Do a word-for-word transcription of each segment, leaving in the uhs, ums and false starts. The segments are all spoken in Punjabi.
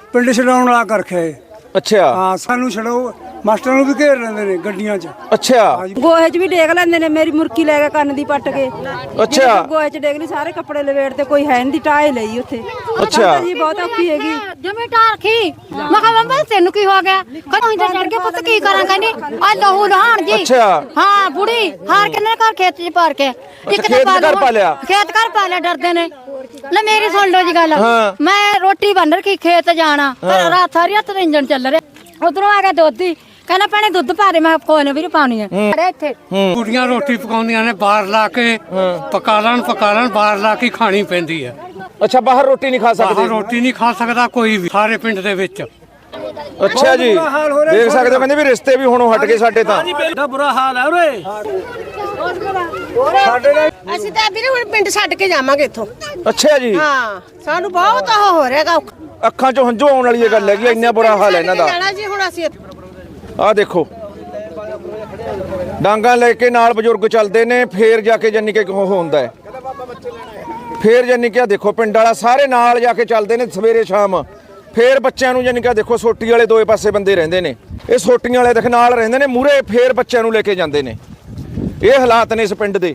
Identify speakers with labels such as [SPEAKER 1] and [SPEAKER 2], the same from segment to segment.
[SPEAKER 1] ਪਿੰਡ ਛਡਾਉਣ ਵਾਲਾ ਕਰ ਰੱਖਿਆ ਏ।
[SPEAKER 2] ਅੱਛਾ
[SPEAKER 1] ਹਾਂ ਸਾਨੂੰ ਛਡਾਓ ਮਾਸਟਰਾਂ ਨੂੰ ਵੀ ਘੇਰ ਲੈਂਦੇ ਨੇ ਗੱਡੀਆਂ 'ਚ।
[SPEAKER 2] ਅੱਛਾ
[SPEAKER 3] ਗੋਹੇ 'ਚ ਵੀ ਡੇਗ ਲੈਂਦੇ ਨੇ। ਮੇਰੀ ਮੁਰਕੀ ਲੈ ਕੇ ਕੰਨ ਦੀ ਪੱਟ ਕੇ।
[SPEAKER 2] ਅੱਛਾ
[SPEAKER 3] ਗੋਹੇ 'ਚ ਡੇਗ ਲਈ ਸਾਰੇ ਕੱਪੜੇ ਲਵੇੜ ਤੇ ਕੋਈ ਹੈ ਨਹੀਂ ਟਾਏ ਲਈ ਉੱਥੇ।
[SPEAKER 2] ਅੱਛਾ
[SPEAKER 3] ਜੀ ਬਹੁਤ ਔਖੀ ਹੈਗੀ
[SPEAKER 4] ਜਮੇ ਟਾਰ ਖੀ ਮੈਂ ਕਿਹਾ ਮੰਮਾ ਤੈਨੂੰ ਕੀ ਹੋ ਗਿਆ ਕਦੋਂ ਇੰਦਰ ਚੜ ਕੇ ਪੁੱਤ ਕੀ ਕਰਾਂ ਕਹਿੰਦੀ ਆ ਲਹੂ ਲਹਾਣ ਜੀ।
[SPEAKER 2] ਅੱਛਾ
[SPEAKER 4] ਹਾਂ ਬੁੜੀ ਹਾਰ ਕਿੰਨੇ ਘਰ ਖੇਤ 'ਚ ਪਾਰ ਕੇ
[SPEAKER 2] ਖੇਤ ਘਰ ਪਾ ਲਿਆ
[SPEAKER 4] ਖੇਤ ਘਰ ਪਾ ਲਿਆ ਡਰਦੇ ਨੇ। ਲੈ ਮੇਰੀ ਸੁਣ ਲਓ ਜੀ ਗੱਲ ਮੈਂ ਰੋਟੀ ਬਣ ਰਖੀ ਖੇਤ ਜਾਣਾ ਰਾਤ ਸਾਰੀ ਰਾਤ ਇੰਜਣ ਚੱਲ ਰਿਹਾ। ਉਧਰੋਂ ਆ ਗਿਆ ਦੋਧੀ ਕਹਿੰਦਾ ਭੈਣੇ ਦੁੱਧ ਪਾ ਦੇ। ਮੈਂ ਕੋਈ ਨਾ ਵੀਰ ਪਾਉਣੀ ਹੈ ਇੱਥੇ।
[SPEAKER 5] ਕੁੜੀਆਂ ਰੋਟੀ ਪਕਾਉਂਦੀਆਂ ਨੇ ਬਾਹਰ ਲਾ ਕੇ ਪਕਾ ਲੈਣ ਪਕਾ ਲੈਣ ਬਾਹਰ ਲਾ ਕੇ ਖਾਣੀ ਪੈਂਦੀ ਹੈ।
[SPEAKER 2] ਅੱਛਾ ਬਾਹਰ ਰੋਟੀ ਨਹੀਂ ਖਾ ਸਕਦੇ?
[SPEAKER 5] ਬਾਹਰ ਰੋਟੀ ਨਹੀਂ ਖਾ ਸਕਦਾ ਕੋਈ ਵੀ ਸਾਰੇ ਪਿੰਡ ਦੇ ਵਿੱਚ।
[SPEAKER 2] ਅੱਛਾ ਜੀ ਦੇਖ ਸਕਦੇ ਹੋ ਕਹਿੰਦੇ ਵੀ ਰਿਸ਼ਤੇ ਵੀ ਹੁਣ ਹਟ ਗਏ ਸਾਡੇ ਤਾਂ।
[SPEAKER 5] ਬੜਾ ਬੁਰਾ ਹਾਲ ਹੈ ਉਰੇ।
[SPEAKER 6] ਅਸੀਂ ਤਾਂ ਵੀਰੇ ਹੁਣ ਪਿੰਡ ਛੱਡ ਕੇ ਜਾਵਾਂਗੇ ਇੱਥੋਂ।
[SPEAKER 2] ਅੱਛਾ ਜੀ
[SPEAKER 6] ਹਾਂ ਸਾਨੂੰ ਬਹੁਤ ਉਹ ਹੋ ਰਿਹਾਗਾ।
[SPEAKER 2] ਅੱਖਾਂ 'ਚੋਂ ਹੰਝੂ ਆਉਣ ਵਾਲੀ ਇਹ ਗੱਲ ਹੈਗੀ ਇੰਨਾ ਬੁਰਾ ਹਾਲ ਹੈ ਇਹਨਾਂ ਦਾ।
[SPEAKER 6] ਜਾਣਾ ਜੀ ਹੁਣ ਅਸੀਂ
[SPEAKER 2] ਆਹ ਦੇਖੋ ਡਾਂਗਾਂ ਲੈ ਕੇ ਨਾਲ ਬਜ਼ੁਰਗ ਚੱਲਦੇ ਨੇ ਫੇਰ ਜਾ ਕੇ ਜਾਨੀ ਕਿ ਉਹ ਹੁੰਦਾ ਹੈ। ਫੇਰ ਜਾਨੀ ਕਿ ਦੇਖੋ ਪਿੰਡ ਵਾਲਾ ਸਾਰੇ ਨਾਲ ਜਾ ਕੇ ਚੱਲਦੇ ਨੇ ਸਵੇਰੇ ਸ਼ਾਮ। ਫੇਰ ਬੱਚਿਆਂ ਨੂੰ ਜਾਨੀ ਕਿ ਦੇਖੋ ਸੋਟੀ ਵਾਲੇ ਦੋਏ ਪਾਸੇ ਬੰਦੇ ਰਹਿੰਦੇ ਨੇ। ਇਹ ਸੋਟੀਆਂ ਵਾਲੇ ਦੇਖ ਨਾਲ ਰਹਿੰਦੇ ਨੇ ਮੂਹਰੇ ਫੇਰ ਬੱਚਿਆਂ ਨੂੰ ਲੈ ਕੇ ਜਾਂਦੇ ਨੇ। ਇਹ ਹਾਲਾਤ ਨੇ ਇਸ ਪਿੰਡ ਦੇ।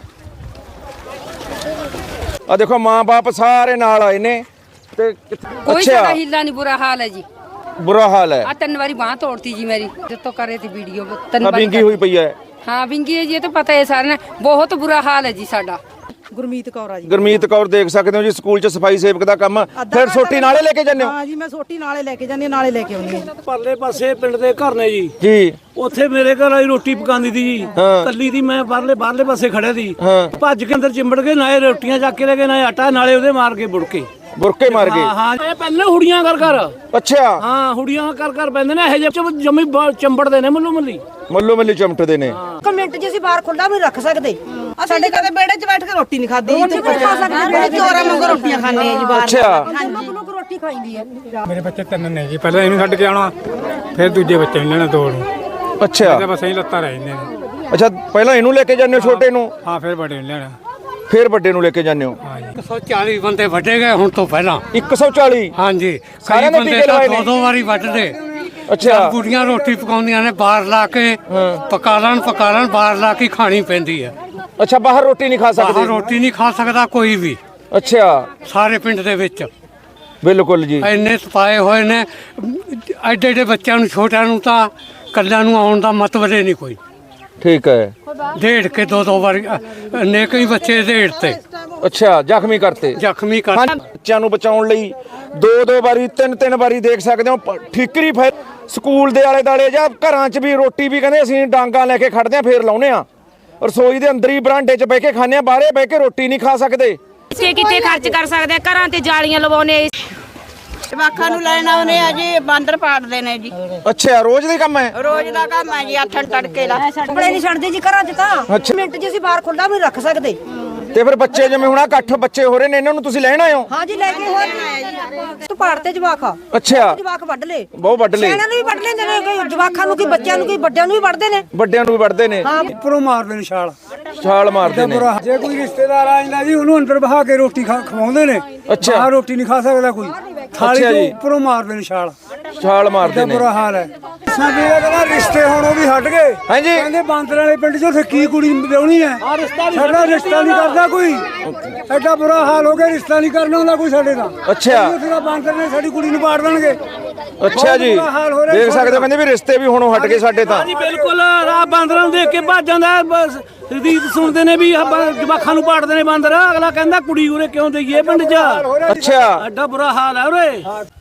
[SPEAKER 2] ਆ ਦੇਖੋ ਮਾਂ ਬਾਪ ਸਾਰੇ ਨਾਲ ਆਏ ਨੇ ਤੇ
[SPEAKER 3] ਕੋਈ ਸਾਡਾ ਹਿੱਲਾ ਨਹੀਂ। ਬੁਰਾ ਹਾਲ ਹੈ ਜੀ
[SPEAKER 2] ਬੁਰਾ ਹਾਲ ਹੈ।
[SPEAKER 3] ਆ ਤਿੰਨ ਵਾਰੀ ਬਾਹ ਤੋੜਤੀ ਜੀ ਮੇਰੀ ਜਿੱਤੋਂ ਕਰੇ ਤੀ ਵੀਡੀਓ ਤਿੰਨ ਵਾਰੀ
[SPEAKER 2] ਵਿੰਗੀ ਹੋਈ ਪਈ ਹੈ।
[SPEAKER 3] ਹਾਂ ਵਿੰਗੀ ਹੈ ਜੀ ਇਹ ਤਾਂ ਪਤਾ ਹੈ ਸਾਰਿਆਂ ਨੂੰ। ਬਹੁਤ ਬੁਰਾ ਹਾਲ ਹੈ ਜੀ ਸਾਡਾ। ਗੁਰਮੀਤ ਕੌਰ ਆ ਜੀ।
[SPEAKER 2] ਗੁਰਮੀਤ ਕੌਰ ਦੇਖ ਸਕਦੇ ਹੋ ਜੀ ਸਕੂਲ 'ਚ ਸਫਾਈ ਸੇਵਕ ਦਾ ਕੰਮ। ਫਿਰ ਸੋਟੀ ਨਾਲੇ ਲੈ ਕੇ ਜਾਂਦੇ ਹੋ?
[SPEAKER 3] ਹਾਂ ਜੀ ਮੈਂ ਸੋਟੀ ਨਾਲੇ ਲੈ ਕੇ ਜਾਂਦੀ ਨਾਲੇ ਲੈ ਕੇ ਆਉਂਦੀ ਹਾਂ।
[SPEAKER 5] ਪਰਲੇ ਪਾਸੇ ਪਿੰਡ ਦੇ ਘਰ ਨੇ ਜੀ
[SPEAKER 2] ਜੀ
[SPEAKER 5] ਉੱਥੇ ਮੇਰੇ ਘਰ ਵਾਲੀ ਰੋਟੀ ਪਕਾਉਂਦੀ ਸੀ ਜੀ। ਕੱਲੀ ਦੀ ਮੈਂ ਬਾਹਰਲੇ ਬਾਹਰਲੇ ਪਾਸੇ ਖੜਿਆ ਸੀ। ਭੱਜ ਕੇ ਅੰਦਰ ਚਿੰਬੜ ਕੇ ਨਾਲੇ ਰੋਟੀਆਂ ਚੱਕ ਕੇ ਲੈ ਕੇ ਨਾਲੇ ਆਟਾ ਨਾਲੇ ਉਹਦੇ ਮਾਰ ਕੇ ਬੁੜ ਕੇ
[SPEAKER 2] ਬੁਰਕੇ ਮਾਰ ਗਏ।
[SPEAKER 5] ਹਾਂ ਇਹ ਪਹਿਲੇ ਹੁੜੀਆਂ ਕਰ ਕਰ।
[SPEAKER 2] ਅੱਛਾ
[SPEAKER 5] ਹਾਂ ਹੁੜੀਆਂ ਕਰ ਕਰ ਪੈਂਦੇ ਨੇ ਇਹ ਜਿਹੇ ਜਮੀ ਚੰਬੜਦੇ ਨੇ ਮੱਲੋ ਮੱਲੀ
[SPEAKER 2] ਮੱਲੋ ਮੱਲੀ ਚਮਟਦੇ ਨੇ।
[SPEAKER 3] ਕਮੈਂਟ ਜੇ ਅਸੀਂ ਬਾਹਰ ਖੁੱਲਾ ਵੀ ਰੱਖ ਸਕਦੇ।
[SPEAKER 6] ਸਾਡੇ ਕਦੇ ਬੇੜੇ 'ਚ ਬੈਠ ਕੇ ਰੋਟੀ ਨਹੀਂ ਖਾਦੀ ਜੀ। ਖਾ ਸਕਦੇ ਚੋਰਾਂ ਵਾਂਗੂ ਰੋਟੀਆਂ ਖਾਂਦੇ ਆ ਜੀ ਬਾਹਰ।
[SPEAKER 2] ਅੱਛਾ
[SPEAKER 3] ਲੋਕ ਰੋਟੀ ਖਾਈਦੀ ਹੈ।
[SPEAKER 1] ਮੇਰੇ ਬੱਚੇ ਤਿੰਨ ਨੇ ਜੀ। ਪਹਿਲਾਂ ਇਹਨੂੰ ਛੱਡ ਕੇ ਆਉਣਾ ਫਿਰ ਦੂਜੇ ਬੱਚੇ ਨੂੰ ਲੈਣਾ ਦੋ ਨੂੰ।
[SPEAKER 2] ਅੱਛਾ
[SPEAKER 1] ਬਸ ਅਸੀਂ ਲੱਤਾਂ ਰਹਿ ਜਾਂਦੇ ਨੇ।
[SPEAKER 2] ਅੱਛਾ ਪਹਿਲਾਂ ਇਹਨੂੰ ਲੈ ਕੇ ਜਾਂਦੇ ਹੋ ਛੋਟੇ ਨੂੰ?
[SPEAKER 1] ਹਾਂ ਫਿਰ ਵੱਡੇ ਨੂੰ ਲੈਣਾ
[SPEAKER 2] ਫਿਰ ਵੱਡੇ ਨੂੰ ਲੈ ਕੇ ਜਾਂਦੇ ਹੋ?
[SPEAKER 5] ਇੱਕ ਸੌ ਚਾਲੀ ਬੰਦੇ ਵੱਢੇ ਗਏ ਹੁਣ ਤੋਂ ਪਹਿਲਾਂ।
[SPEAKER 2] ਇੱਕ ਸੌ ਚਾਲੀ?
[SPEAKER 5] ਹਾਂਜੀ
[SPEAKER 2] ਸਾਰਿਆਂ
[SPEAKER 5] ਕਈ
[SPEAKER 2] ਨੇ
[SPEAKER 5] ਬੰਦੇ
[SPEAKER 2] ਟੀਕੇ
[SPEAKER 5] ਤਾਂ
[SPEAKER 2] ਲਵਾਏ
[SPEAKER 5] ਦੋ
[SPEAKER 2] ਨੇ?
[SPEAKER 5] ਦੋ ਵਾਰੀ ਵੱਢਦੇ।
[SPEAKER 2] ਅੱਛਾ
[SPEAKER 5] ਕੁੜੀਆਂ ਰੋਟੀ ਪਕਾਉਂਦੀਆਂ ਨੇ ਬਾਹਰ ਲਾ ਕੇ ਪਕਾ ਲੈਣ ਪਕਾ ਲੈਣ ਬਾਹਰ ਲਾ ਕੇ ਖਾਣੀ ਪੈਂਦੀ ਹੈ।
[SPEAKER 2] ਅੱਛਾ ਬਾਹਰ ਰੋਟੀ ਨਹੀਂ ਖਾ
[SPEAKER 5] ਬਾਹਰ
[SPEAKER 2] ਸਕਦੇ?
[SPEAKER 5] ਰੋਟੀ ਨਹੀਂ ਖਾ ਸਕਦਾ ਕੋਈ ਵੀ
[SPEAKER 2] ਅੱਛਾ
[SPEAKER 5] ਸਾਰੇ ਪਿੰਡ ਦੇ ਵਿੱਚ।
[SPEAKER 2] ਬਿਲਕੁਲ ਜੀ
[SPEAKER 5] ਇੰਨੇ ਸਪਾਏ ਹੋਏ ਨੇ ਐਡੇ ਐਡੇ ਬੱਚਿਆਂ ਨੂੰ ਛੋਟਿਆਂ ਨੂੰ ਤਾਂ ਕੱਲਿਆਂ ਨੂੰ ਆਉਣ ਦਾ ਮਤਲਬ ਹੀ ਨਹੀਂ ਕੋਈ।
[SPEAKER 2] ਠੀਕ ਹੈ
[SPEAKER 5] ਢੇੜ ਕੇ ਦੋ ਦੋ ਵਾਰੀ ਨੇ ਕਈ ਬੱਚੇ ਢੇੜ ਤੇ।
[SPEAKER 2] ਅੱਛਾ ਜ਼ਖਮੀ ਕਰਤੇ
[SPEAKER 5] ਜ਼ਖਮੀ ਕਰ।
[SPEAKER 2] ਬੱਚਿਆਂ ਨੂੰ ਬਚਾਉਣ ਲਈ ਦੋ ਦੋ ਵਾਰੀ ਤਿੰਨ ਤਿੰਨ ਵਾਰੀ ਦੇਖ ਸਕਦੇ ਹੋ ਠੀਕਰੀ ਫੈ ਸਕੂਲ ਦੇ ਆਲੇ ਦਾਲੇ ਜਾਂ ਘਰਾਂ 'ਚ ਵੀ ਰੋਟੀ ਵੀ ਕਹਿੰਦੇ ਅਸੀਂ ਡਾਂਗਾ ਲੈ ਕੇ ਖੜਦੇ ਆ ਫੇਰ ਲਾਉਨੇ ਆ। ਰਸੋਈ ਦੇ ਅੰਦਰ ਹੀ ਬਰਾਂਡੇ 'ਚ ਬਹਿ ਕੇ ਖਾਂਦੇ ਆ ਬਾਹਰੇ ਬਹਿ ਕੇ ਰੋਟੀ ਨਹੀਂ ਖਾ ਸਕਦੇ।
[SPEAKER 7] ਕਿਤੇ ਕਿਤੇ ਖਰਚ ਕਰ ਸਕਦੇ ਘਰਾਂ ਤੇ ਜਾਲੀਆਂ ਲਵਾਉਣੇ।
[SPEAKER 6] ਜਵਾਕਾਂ ਨੂੰ ਲੈਣ ਆਉਨੇ ਆ ਜੀ ਬਾਂਦਰ ਪਾੜਦੇ ਨੇ ਜੀ।
[SPEAKER 2] ਅੱਛਾ ਰੋਜ਼ ਦਾ ਕੰਮ ਹੈ?
[SPEAKER 6] ਰੋਜ਼ ਦਾ ਕੰਮ ਹੈ ਜੀ। ਆਥਣ ਤੜਕੇ ਦਾ
[SPEAKER 3] ਕੱਪੜੇ ਨਹੀਂ ਛੱਡਦੇ ਜੀ ਘਰਾਂ 'ਚ ਤਾਂ। ਮਿੰਟ 'ਚ ਅਸੀਂ ਬਾਹਰ ਖੁੱਲਾ ਵੀ ਰੱਖ ਸਕਦੇ।
[SPEAKER 2] ਤੇ ਫਿਰ ਬੱਚੇ ਜਿਵੇਂ ਹੁਣ ਇਕੱਠ ਬੱਚੇ ਹੋ ਰਹੇ ਨੇ ਇਹਨਾਂ ਨੂੰ ਤੁਸੀਂ ਲੈਣ ਆਏ ਹੋ?
[SPEAKER 3] ਹਾਂ ਜੀ ਲੈ ਕੇ ਹੋਰ ਤੂੰ ਪਾੜ ਤੇ ਜਵਾਕ।
[SPEAKER 2] ਅੱਛਾ
[SPEAKER 3] ਜਵਾਕ ਵੱਢ ਲੈ
[SPEAKER 2] ਬਹੁਤ ਵੱਢ ਲੈ।
[SPEAKER 3] ਇਹਨਾਂ ਨੂੰ ਵੀ ਵੱਢ ਲੈਂਦੇ ਨੇ ਕੋਈ ਜਵਾਕਾਂ ਨੂੰ ਕੋਈ ਬੱਚਿਆਂ ਨੂੰ ਕੋਈ ਵੱਡਿਆਂ ਨੂੰ ਵੀ ਵੱਢਦੇ ਨੇ।
[SPEAKER 2] ਵੱਡਿਆਂ ਨੂੰ ਵੀ ਵੱਢਦੇ ਨੇ।
[SPEAKER 1] ਉੱਪਰੋਂ ਮਾਰਦੇ ਨੇ ਛਾਲ
[SPEAKER 2] ਛਾਲ ਮਾਰਦੇ ਨੇ।
[SPEAKER 1] ਜੇ ਕੋਈ ਰਿਸ਼ਤੇਦਾਰ ਆ ਜਾਂਦਾ ਜੀ ਉਹਨੂੰ ਅੰਦਰ ਬਹਾ ਕੇ ਰੋਟੀ ਖਵਾਉਂਦੇ ਨੇ।
[SPEAKER 2] ਅੱਛਾ
[SPEAKER 1] ਬਾਹਰ ਰੋਟੀ ਨਹੀਂ ਖਾ ਸਕਦਾ ਕੋਈ। ਥਾਲੀ ਤੋਂ ਉੱਪਰੋਂ ਮਾਰਦੇ ਨੇ ਛਾਲ।
[SPEAKER 2] ਛਾਲ ਮਾਰਦੇ ਨੇ।
[SPEAKER 1] ਬੁਰਾ ਹਾਲ ਹੈ। ਸਾਡੇ ਕਹਿੰਦਾ ਰਿਸ਼ਤੇ ਹੁਣ ਉਹ ਵੀ ਹਟ ਗਏ।
[SPEAKER 2] ਹਾਂਜੀ
[SPEAKER 1] ਕਹਿੰਦੇ ਬਾਂਦਰ ਵਾਲੇ ਪਿੰਡ 'ਚ ਉੱਥੇ ਕੀ ਕੁੜੀ ਵਿਆਹਣੀ ਹੈ। ਸਾਡਾ ਰਿਸ਼ਤਾ ਨਹੀਂ ਕਰਦਾ ਕੋਈ। ਐਡਾ ਬੁਰਾ ਹਾਲ ਹੋ ਗਿਆ ਰਿਸ਼ਤਾ ਨਹੀਂ ਕਰਨਾ ਹੁੰਦਾ ਕੋਈ ਸਾਡੇ ਦਾ।
[SPEAKER 2] ਅੱਛਾ
[SPEAKER 1] ਉੱਥੇ ਬਾਂਦਰ ਨੇ ਸਾਡੀ ਕੁੜੀ ਨੂੰ ਪਾੜ ਦੇਣਗੇ।
[SPEAKER 2] ਅੱਛਾ ਜੀ ਦੇਖ ਸਕਦੇ ਹੋ ਕਹਿੰਦੇ ਵੀ ਰਿਸ਼ਤੇ ਵੀ ਹੁਣ ਹਟ ਗਏ ਸਾਡੇ ਤਾਂ।
[SPEAKER 5] ਹਾਂਜੀ ਬਿਲਕੁਲ ਆ ਬਾਂਦਰਾਂ ਨੂੰ ਦੇਖ ਕੇ ਭੱਜ ਜਾਂਦਾ। ਰੀਤ ਸੁਣਦੇ ਨੇ ਵੀ ਜਵਾਖਾਂ ਨੂੰ ਪਾੜਦੇ ਨੇ ਬਾਂਦਰ। ਅਗਲਾ ਕਹਿੰਦਾ ਕੁੜੀ ਉਰੇ ਕਿਉਂ ਦਈਏ ਪਿੰਡ 'ਚ।
[SPEAKER 2] ਅੱਛਾ
[SPEAKER 5] ਐਡਾ ਬੁਰਾ ਹਾਲ ਹੈ ਉਰੇ।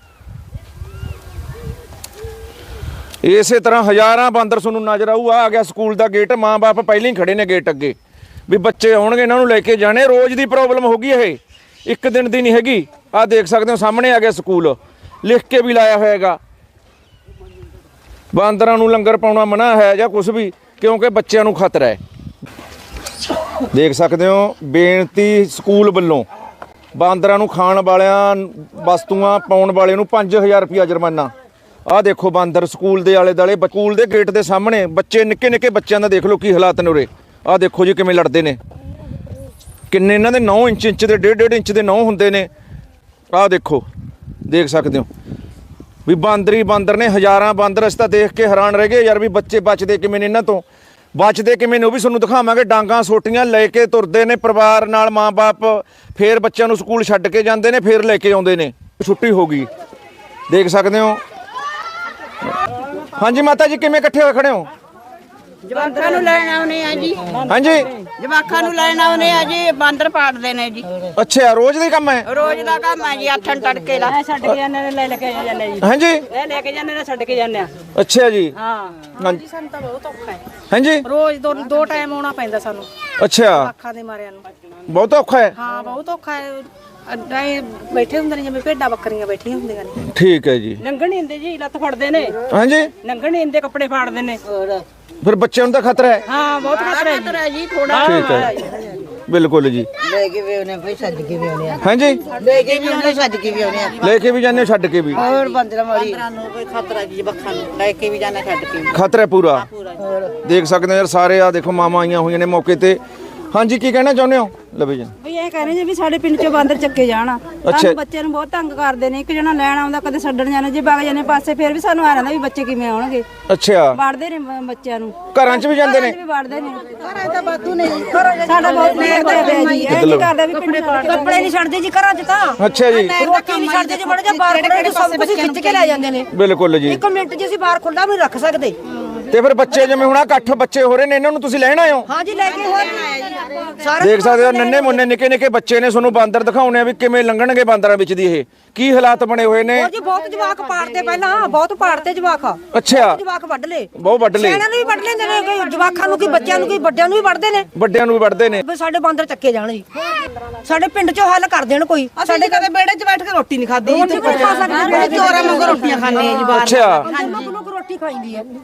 [SPEAKER 2] ਇਸੇ ਤਰ੍ਹਾਂ ਹਜ਼ਾਰਾਂ ਬਾਂਦਰ ਤੁਹਾਨੂੰ ਨਜ਼ਰ ਆਊ। ਆ ਗਿਆ ਸਕੂਲ ਦਾ ਗੇਟ। ਮਾਂ ਬਾਪ ਪਹਿਲਾਂ ਹੀ ਖੜੇ ਨੇ ਗੇਟ ਅੱਗੇ ਵੀ ਬੱਚੇ ਆਉਣਗੇ ਇਹਨਾਂ ਨੂੰ ਲੈ ਕੇ ਜਾਣੇ। ਰੋਜ਼ ਦੀ ਪ੍ਰੋਬਲਮ ਹੋ ਗਈ ਇਹ, ਇੱਕ ਦਿਨ ਦੀ ਨਹੀਂ ਹੈਗੀ। ਆਹ ਦੇਖ ਸਕਦੇ ਹੋ ਸਾਹਮਣੇ ਆ ਗਿਆ ਸਕੂਲ, ਲਿਖ ਕੇ ਵੀ ਲਾਇਆ ਹੋਏਗਾ ਬਾਂਦਰਾਂ ਨੂੰ ਲੰਗਰ ਪਾਉਣਾ ਮਨਾ ਹੈ ਜਾਂ ਕੁਝ ਵੀ, ਕਿਉਂਕਿ ਬੱਚਿਆਂ ਨੂੰ ਖਤਰਾ ਹੈ। ਦੇਖ ਸਕਦੇ ਹੋ ਬੇਨਤੀ ਸਕੂਲ ਵੱਲੋਂ ਬਾਂਦਰਾਂ ਨੂੰ ਖਾਣ ਵਾਲਿਆਂ ਵਸਤੂਆਂ ਪਾਉਣ ਵਾਲੇ ਨੂੰ ਪੰਜ ਹਜ਼ਾਰ ਰੁਪਇਆ ਜੁਰਮਾਨਾ। ਆਹ ਦੇਖੋ ਬਾਂਦਰ ਸਕੂਲ ਦੇ ਆਲੇ ਦੁਆਲੇ, ਸਕੂਲ ਦੇ ਗੇਟ ਦੇ ਸਾਹਮਣੇ ਬੱਚੇ, ਨਿੱਕੇ ਨਿੱਕੇ ਬੱਚਿਆਂ ਦਾ ਦੇਖ ਲਓ ਕੀ ਹਾਲਾਤ ਨੇ ਉਰੇ। ਆਹ ਦੇਖੋ ਜੀ ਕਿਵੇਂ ਲੜਦੇ ਨੇ, ਕਿੰਨੇ ਇਹਨਾਂ ਦੇ ਨੌ ਇੰਚ ਇੰਚ ਦੇ ਡੇਢ ਡੇਢ ਇੰਚ ਦੇ ਨੌ ਹੁੰਦੇ ਨੇ। ਆਹ ਦੇਖੋ, ਦੇਖ ਸਕਦੇ ਹੋ ਵੀ ਬਾਂਦਰ ਹੀ ਬਾਂਦਰ ਨੇ, ਹਜ਼ਾਰਾਂ ਬਾਂਦਰ। ਅਸੀਂ ਤਾਂ ਦੇਖ ਕੇ ਹੈਰਾਨ ਰਹਿ ਗਏ ਯਾਰ ਵੀ ਬੱਚੇ ਬਚਦੇ ਕਿਵੇਂ ਨੇ ਇਹਨਾਂ ਤੋਂ, ਬਚਦੇ ਕਿਵੇਂ ਨੇ ਉਹ ਵੀ ਤੁਹਾਨੂੰ ਦਿਖਾਵਾਂਗੇ। ਡਾਂਗਾਂ ਸੋਟੀਆਂ ਲੈ ਕੇ ਤੁਰਦੇ ਨੇ ਪਰਿਵਾਰ ਨਾਲ, ਮਾਂ-ਬਾਪ ਫੇਰ ਬੱਚਿਆਂ ਨੂੰ ਸਕੂਲ ਛੱਡ ਕੇ ਜਾਂਦੇ ਨੇ, ਫੇਰ ਲੈ ਕੇ ਆਉਂਦੇ ਨੇ। ਛੁੱਟੀ ਹੋ ਗਈ, ਦੇਖ ਸਕਦੇ ਹੋ। ਹਾਂਜੀ ਮਾਤਾ ਜੀ, ਕਿਵੇਂ ਇਕੱਠੇ ਹੋਏ ਖੜੇ ਹੋ?
[SPEAKER 8] ਜਵਾਕਾਂ ਨੂੰ ਲੈਣ ਆਉਨੇ ਆ ਜੀ।
[SPEAKER 2] ਹਾਂਜੀ,
[SPEAKER 8] ਜਵਾਕਾਂ ਨੂੰ ਲੈਣ ਆਉਨੇ ਆ ਜੀ, ਬਾਂਦਰ ਪਾੜਦੇ ਨੇ ਜੀ।
[SPEAKER 2] ਅੱਛਾ, ਰੋਜ਼ ਦਾ ਹੀ ਕੰਮ ਹੈ?
[SPEAKER 8] ਰੋਜ਼ ਦਾ ਕੰਮ ਹੈ ਜੀ, ਆਥਣ ਤੜਕੇ ਲਾ
[SPEAKER 6] ਛੱਡ ਕੇ ਜਾਂਦੇ ਨੇ, ਲੈ ਲੈ ਕੇ ਜਾਂਦੇ ਜੀ।
[SPEAKER 2] ਹਾਂਜੀ,
[SPEAKER 6] ਇਹ ਲੈ ਕੇ ਜਾਂਦੇ ਨੇ, ਛੱਡ ਕੇ ਜਾਂਦੇ ਆ।
[SPEAKER 2] ਅੱਛਾ ਜੀ।
[SPEAKER 6] ਹਾਂ
[SPEAKER 2] ਹਾਂਜੀ,
[SPEAKER 6] ਸਾਨੂੰ ਤਾਂ ਬਹੁਤ ਔਖਾ ਹੈ।
[SPEAKER 2] ਹਾਂਜੀ,
[SPEAKER 6] ਰੋਜ਼ ਦੋ ਦੋ ਟਾਈਮ ਆਉਣਾ ਪੈਂਦਾ ਸਾਨੂੰ
[SPEAKER 2] ਅੱਛਾ,
[SPEAKER 6] ਅੱਖਾਂ ਦੇ ਮਾਰਿਆਂ ਨੂੰ।
[SPEAKER 2] ਬਹੁਤ ਔਖਾ ਹੈ।
[SPEAKER 6] ਹਾਂ ਬਹੁਤ ਔਖਾ ਹੈ। ਅੱਡਾ ਹੀ ਬੈਠੇ ਹੁੰਦੇ ਨੇ ਜਿਵੇਂ ਭੇਡਾਂ ਬੱਕਰੀਆਂ ਬੈਠੀਆਂ ਹੁੰਦੀਆਂ ਨੇ।
[SPEAKER 2] ਠੀਕ ਹੈ ਜੀ।
[SPEAKER 6] ਲੰਘਣ ਨਹੀਂ ਦਿੰਦੇ ਜੀ, ਲੱਤ ਫੜਦੇ ਨੇ।
[SPEAKER 2] ਹਾਂਜੀ,
[SPEAKER 6] ਲੰਘਣ ਨਹੀਂ ਦਿੰਦੇ, ਕੱਪੜੇ ਫਾੜਦੇ ਨੇ।
[SPEAKER 2] ਫਿਰ ਬੱਚਿਆਂ ਨੂੰ ਤਾਂ ਖਤਰਾ ਹੈ।
[SPEAKER 6] ਹਾਂ ਬਹੁਤ ਖਤਰਾ ਹੈ ਜੀ, ਥੋੜਾ।
[SPEAKER 2] ਠੀਕ ਹੈ, ਬਿਲਕੁਲ ਜੀ।
[SPEAKER 8] ਲੈ ਕੇ ਵੀ ਉਹਨੇ ਕੋਈ ਛੱਡ ਕੇ ਵੀ ਆਉਨੇ ਆ।
[SPEAKER 2] ਹਾਂਜੀ,
[SPEAKER 8] ਲੈ ਕੇ ਵੀ ਉਹਨੇ ਛੱਡ ਕੇ ਵੀ ਆਉਨੇ ਆ।
[SPEAKER 2] ਲੈ ਕੇ ਵੀ ਜਾਂਦੇ ਹੋ, ਛੱਡ ਕੇ ਵੀ?
[SPEAKER 8] ਹੋਰ ਬਾਂਦਰਾਂ ਮਾਰੀ ਨੂੰ ਕੋਈ ਖਤਰਾ ਜੀ, ਜਵਾਕਾਂ ਨੂੰ ਲੈ ਕੇ ਵੀ ਜਾਣਾ, ਛੱਡ ਕੇ ਵੀ।
[SPEAKER 2] ਖਤਰਾ ਹੈ ਪੂਰਾ। ਦੇਖ ਸਕਦੇ ਹੋ ਯਾਰ, ਸਾਰੇ ਆ ਦੇਖੋ ਮਾਮਾ ਆਈਆਂ ਹੋਈਆਂ ਨੇ ਮੌਕੇ ਤੇ। ਹਾਂਜੀ, ਕੀ ਕਹਿਣਾ ਚਾਹੁੰਦੇ ਹੋ ਲਵੀ ਜੀ?
[SPEAKER 9] ਵੀ ਇਹ ਕਹਿੰਦੇ ਜੀ ਵੀ ਸਾਡੇ ਪਿੰਡ ਚੋਂ ਬਾਂਦਰ ਚੱਕੇ ਜਾਣ।
[SPEAKER 2] ਅੱਛਾ।
[SPEAKER 9] ਸਾਨੂੰ ਬੱਚਿਆਂ ਨੂੰ ਬਹੁਤ ਤੰਗ ਕਰਦੇ ਨੇ। ਇੱਕ ਜਣਾ ਲੈਣ ਆਉਂਦਾ, ਕਦੇ ਛੱਡਣ ਜਾਣਾ, ਜੇ ਵਗ ਜਾਂਦੇ ਪਾਸੇ ਫਿਰ ਵੀ ਸਾਨੂੰ ਆ ਰਹਿੰਦਾ ਵੀ ਬੱਚੇ ਕਿਵੇਂ ਆਉਣਗੇ।
[SPEAKER 2] ਅੱਛਾ,
[SPEAKER 9] ਵੜਦੇ ਨੇ ਬ- ਬੱਚਿਆਂ ਨੂੰ,
[SPEAKER 2] ਘਰਾਂ 'ਚ ਵੀ ਜਾਂਦੇ ਨੇ?
[SPEAKER 9] ਘਰਾਂ 'ਚ ਵੀ ਵੜਦੇ ਨੇ। ਘਰਾਂ ਦਾ ਬਾਤੂ ਨੇ ਸਾਡਾ ਬਹੁਤ ਨੇੜ ਤੇ ਪਿਆ ਜੀ। ਇਹ ਨਹੀਂ ਕਰਦੇ ਵੀ ਪਿੰਡ ਛੱਡ ਕੇ
[SPEAKER 6] ਕੱਪੜੇ ਨਹੀਂ ਛੱਡਦੇ ਜੀ ਘਰਾਂ 'ਚ ਤਾਂ।
[SPEAKER 2] ਅੱਛਾ ਜੀ,
[SPEAKER 6] ਰੋਟੀ ਨਹੀਂ ਛੱਡਦੇ ਜੀ, ਬੜੇ ਜਾਂ ਬਾਹਰ ਖੜੇ ਸਭ ਕੁਝ ਖਿੱਚ ਕੇ ਲੈ ਜਾਂਦੇ ਨੇ।
[SPEAKER 2] ਬਿਲਕੁਲ ਜੀ।
[SPEAKER 6] ਇੱਕ ਮਿੰਟ 'ਚ ਅਸੀਂ ਬਾਹਰ ਖੁੱਲਾ ਵੀ ਨਹੀਂ ਰੱਖ ਸਕਦੇ।
[SPEAKER 2] ਤੇ ਫਿਰ ਬੱਚੇ ਜਿਵੇਂ ਹੁਣ ਆਹ ਇਕੱਠ ਬੱਚੇ ਹੋ ਰਹੇ ਨੇ, ਇਹਨਾਂ ਨੂੰ ਤੁਸੀਂ ਲੈਣ ਆਏ ਹੋ?
[SPEAKER 6] ਹਾਂ ਜੀ, ਲੈ ਕੇ ਹੋਰ ਸਾਰੇ
[SPEAKER 2] ਦੇਖ ਸਕਦੇ ਹੋ ਨੰਨੇ ਮੁੰਨੇ ਨਿੱਕੇ ਨਿੱਕੇ ਬੱਚੇ ਨੇ। ਤੁਹਾਨੂੰ ਬਾਂਦਰ ਦਿਖਾਉਣੇ ਆ ਵੀ ਕਿਵੇਂ ਲੰਘਣਗੇ ਬਾਂਦਰਾਂ ਵਿੱਚ ਦੀ। ਇਹ ਕੀ ਹਾਲਾਤ ਬਣੇ ਹੋਏ ਨੇ?
[SPEAKER 6] ਹੋਰ ਜੀ ਬਹੁਤ ਜਵਾਕ ਪਾੜਦੇ, ਪਹਿਲਾਂ ਬਹੁਤ ਪਾੜਦੇ ਜਵਾਕ।
[SPEAKER 2] ਅੱਛਾ,
[SPEAKER 6] ਜਵਾਕ ਵੱਢ ਲੇ,
[SPEAKER 2] ਬਹੁਤ ਵੱਢ ਲਏ।
[SPEAKER 6] ਇਹਨਾਂ ਨੂੰ ਵੀ ਵੱਢ ਲੈਂਦੇ ਨੇ, ਕੋਈ ਜਵਾਕਾਂ ਨੂੰ, ਕੀ ਬੱਚਿਆਂ ਨੂੰ, ਕੀ ਵੱਡਿਆਂ ਨੂੰ ਵੀ ਵੱਢਦੇ ਨੇ।
[SPEAKER 2] ਵੱਡਿਆਂ ਨੂੰ ਵੀ ਵੱਢਦੇ ਨੇ।
[SPEAKER 6] ਵੀ ਸਾਡੇ ਬਾਂਦਰ ਚੱਕੇ ਜਾਣ ਜੀ, ਸਾਡੇ ਪਿੰਡ 'ਚੋਂ ਹੱਲ ਕਰ ਦੇਣ ਕੋਈ।
[SPEAKER 8] ਸਾਡੇ ਕਦੇ ਬੇੜੇ 'ਚ ਬੈਠ ਕੇ ਰੋਟੀ ਨਹੀਂ ਖਾਦੀ ਜੀ।
[SPEAKER 6] ਕੋਈ ਖਾ ਸਕਦੇ ਜੀ,
[SPEAKER 8] ਚੋਰਾਂ ਵਾਂਗੂ ਰੋਟੀਆਂ ਖਾਂਦੇ ਆ ਜੀ ਬਾਹਰ।
[SPEAKER 2] ਅੱਛਾ,
[SPEAKER 6] ਲੋਕ ਰੋਟੀ ਖਾਈਦੀ ਹੈ।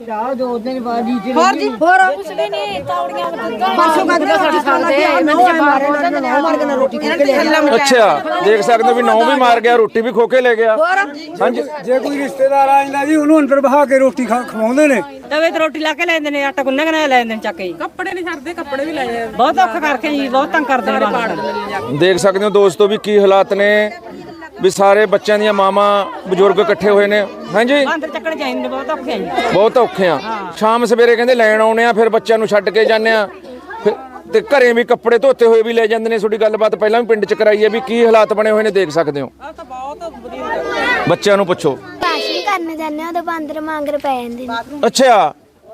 [SPEAKER 8] ਹੋਰ ਜੀ,
[SPEAKER 6] ਹੋਰ ਕੁਛ ਵੀ ਨਹੀਂ, ਤੌੜੀਆਂ ਪਰਸੋਂ ਕਹਿੰਦੇ ਸਾਡੀ ਖਾਂਦੇ ਆ, ਮਿੰਟ 'ਚ ਮਾਰੇ ਉਹਨਾਂ ਨੇ, ਮਾਰ ਕੇ ਨਾ ਰੋਟੀ ਖਾ ਕੇ ਲੈ ਜਾਂਦੇ।
[SPEAKER 2] ਅੱਛਾ, ਦੇਖ ਸਕਦੇ ਹੋ ਵੀ ਨੌ ਵੀ ਮਾਰ ਗਿਆ, ਰੋਟੀ ਵੀ ਖੋ ਕੇ ਲੈ ਗਿਆ। ਹਾਂਜੀ,
[SPEAKER 1] ਜੇ ਕੋਈ ਰਿਸ਼ਤੇਦਾਰ ਆ ਜਾਂਦਾ ਜੀ, ਉਹਨੂੰ ਅੰਦਰ ਬਹਾ ਕੇ ਰੋਟੀ ਖਾ ਖਵਾਉਂਦੇ ਨੇ।
[SPEAKER 6] ਤਵੇ ਤੇ ਰੋਟੀ ਲਾ ਕੇ ਲੈ ਜਾਂਦੇ ਨੇ, ਆਟਾ ਗੁੰਨ੍ਹ ਕੇ ਲੈ ਜਾਂਦੇ ਨੇ ਚੱਕ ਕੇ। ਕੱਪੜੇ ਨਹੀਂ ਛੱਡਦੇ, ਕੱਪੜੇ ਵੀ ਲੈ ਜਾਂਦੇ, ਬਹੁਤ ਔਖਾ ਕਰਕੇ ਜੀ, ਬਹੁਤ ਤੰਗ ਕਰਦੇ ਨੇ ਬਾਹਰ।
[SPEAKER 2] ਦੇਖ ਸਕਦੇ ਹੋ ਦੋਸਤੋ ਵੀ ਕੀ ਹਾਲਾਤ ਨੇ, ਵੀ ਸਾਰੇ ਬੱਚਿਆਂ ਦੀਆਂ ਮਾਵਾਂ ਬਜ਼ੁਰਗ ਇਕੱਠੇ ਹੋਏ ਨੇ। ਹਾਂਜੀ,
[SPEAKER 6] ਬਾਂਦਰ ਚੱਕਣ ਚਾਹੀਦੇ ਨੇ, ਬਹੁਤ ਔਖੇ ਆ ਜੀ।
[SPEAKER 2] ਬਹੁਤ ਔਖੇ ਆ। ਸ਼ਾਮ ਸਵੇਰੇ ਕਹਿੰਦੇ ਲੈਣ ਆਉਣੇ ਆ, ਫਿਰ ਬੱਚਿਆਂ ਨੂੰ ਛੱਡ ਕੇ ਜਾਂਦੇ ਆ। ਫਿਰ ਤੇ ਘਰੇ ਵੀ ਕੱਪੜੇ ਧੋਤੇ ਹੋਏ ਵੀ ਲੈ ਜਾਂਦੇ ਨੇ। ਤੁਹਾਡੀ ਗੱਲਬਾਤ ਪਹਿਲਾਂ ਵੀ ਪਿੰਡ 'ਚ ਕਰਾਈ ਹੈ ਵੀ ਕੀ ਹਾਲਾਤ ਬਣੇ ਹੋਏ ਨੇ, ਦੇਖ ਸਕਦੇ ਹੋ। ਬੱਚਿਆਂ ਨੂੰ ਪੁੱਛੋ।
[SPEAKER 10] ਕਾਸ਼ੀ ਕਰਨ ਜਾਂਦੇ ਆ ਤਾਂ ਬਾਂਦਰ ਮੰਗਰ ਪੈ ਜਾਂਦੇ ਨੇ।
[SPEAKER 2] ਅੱਛਾ,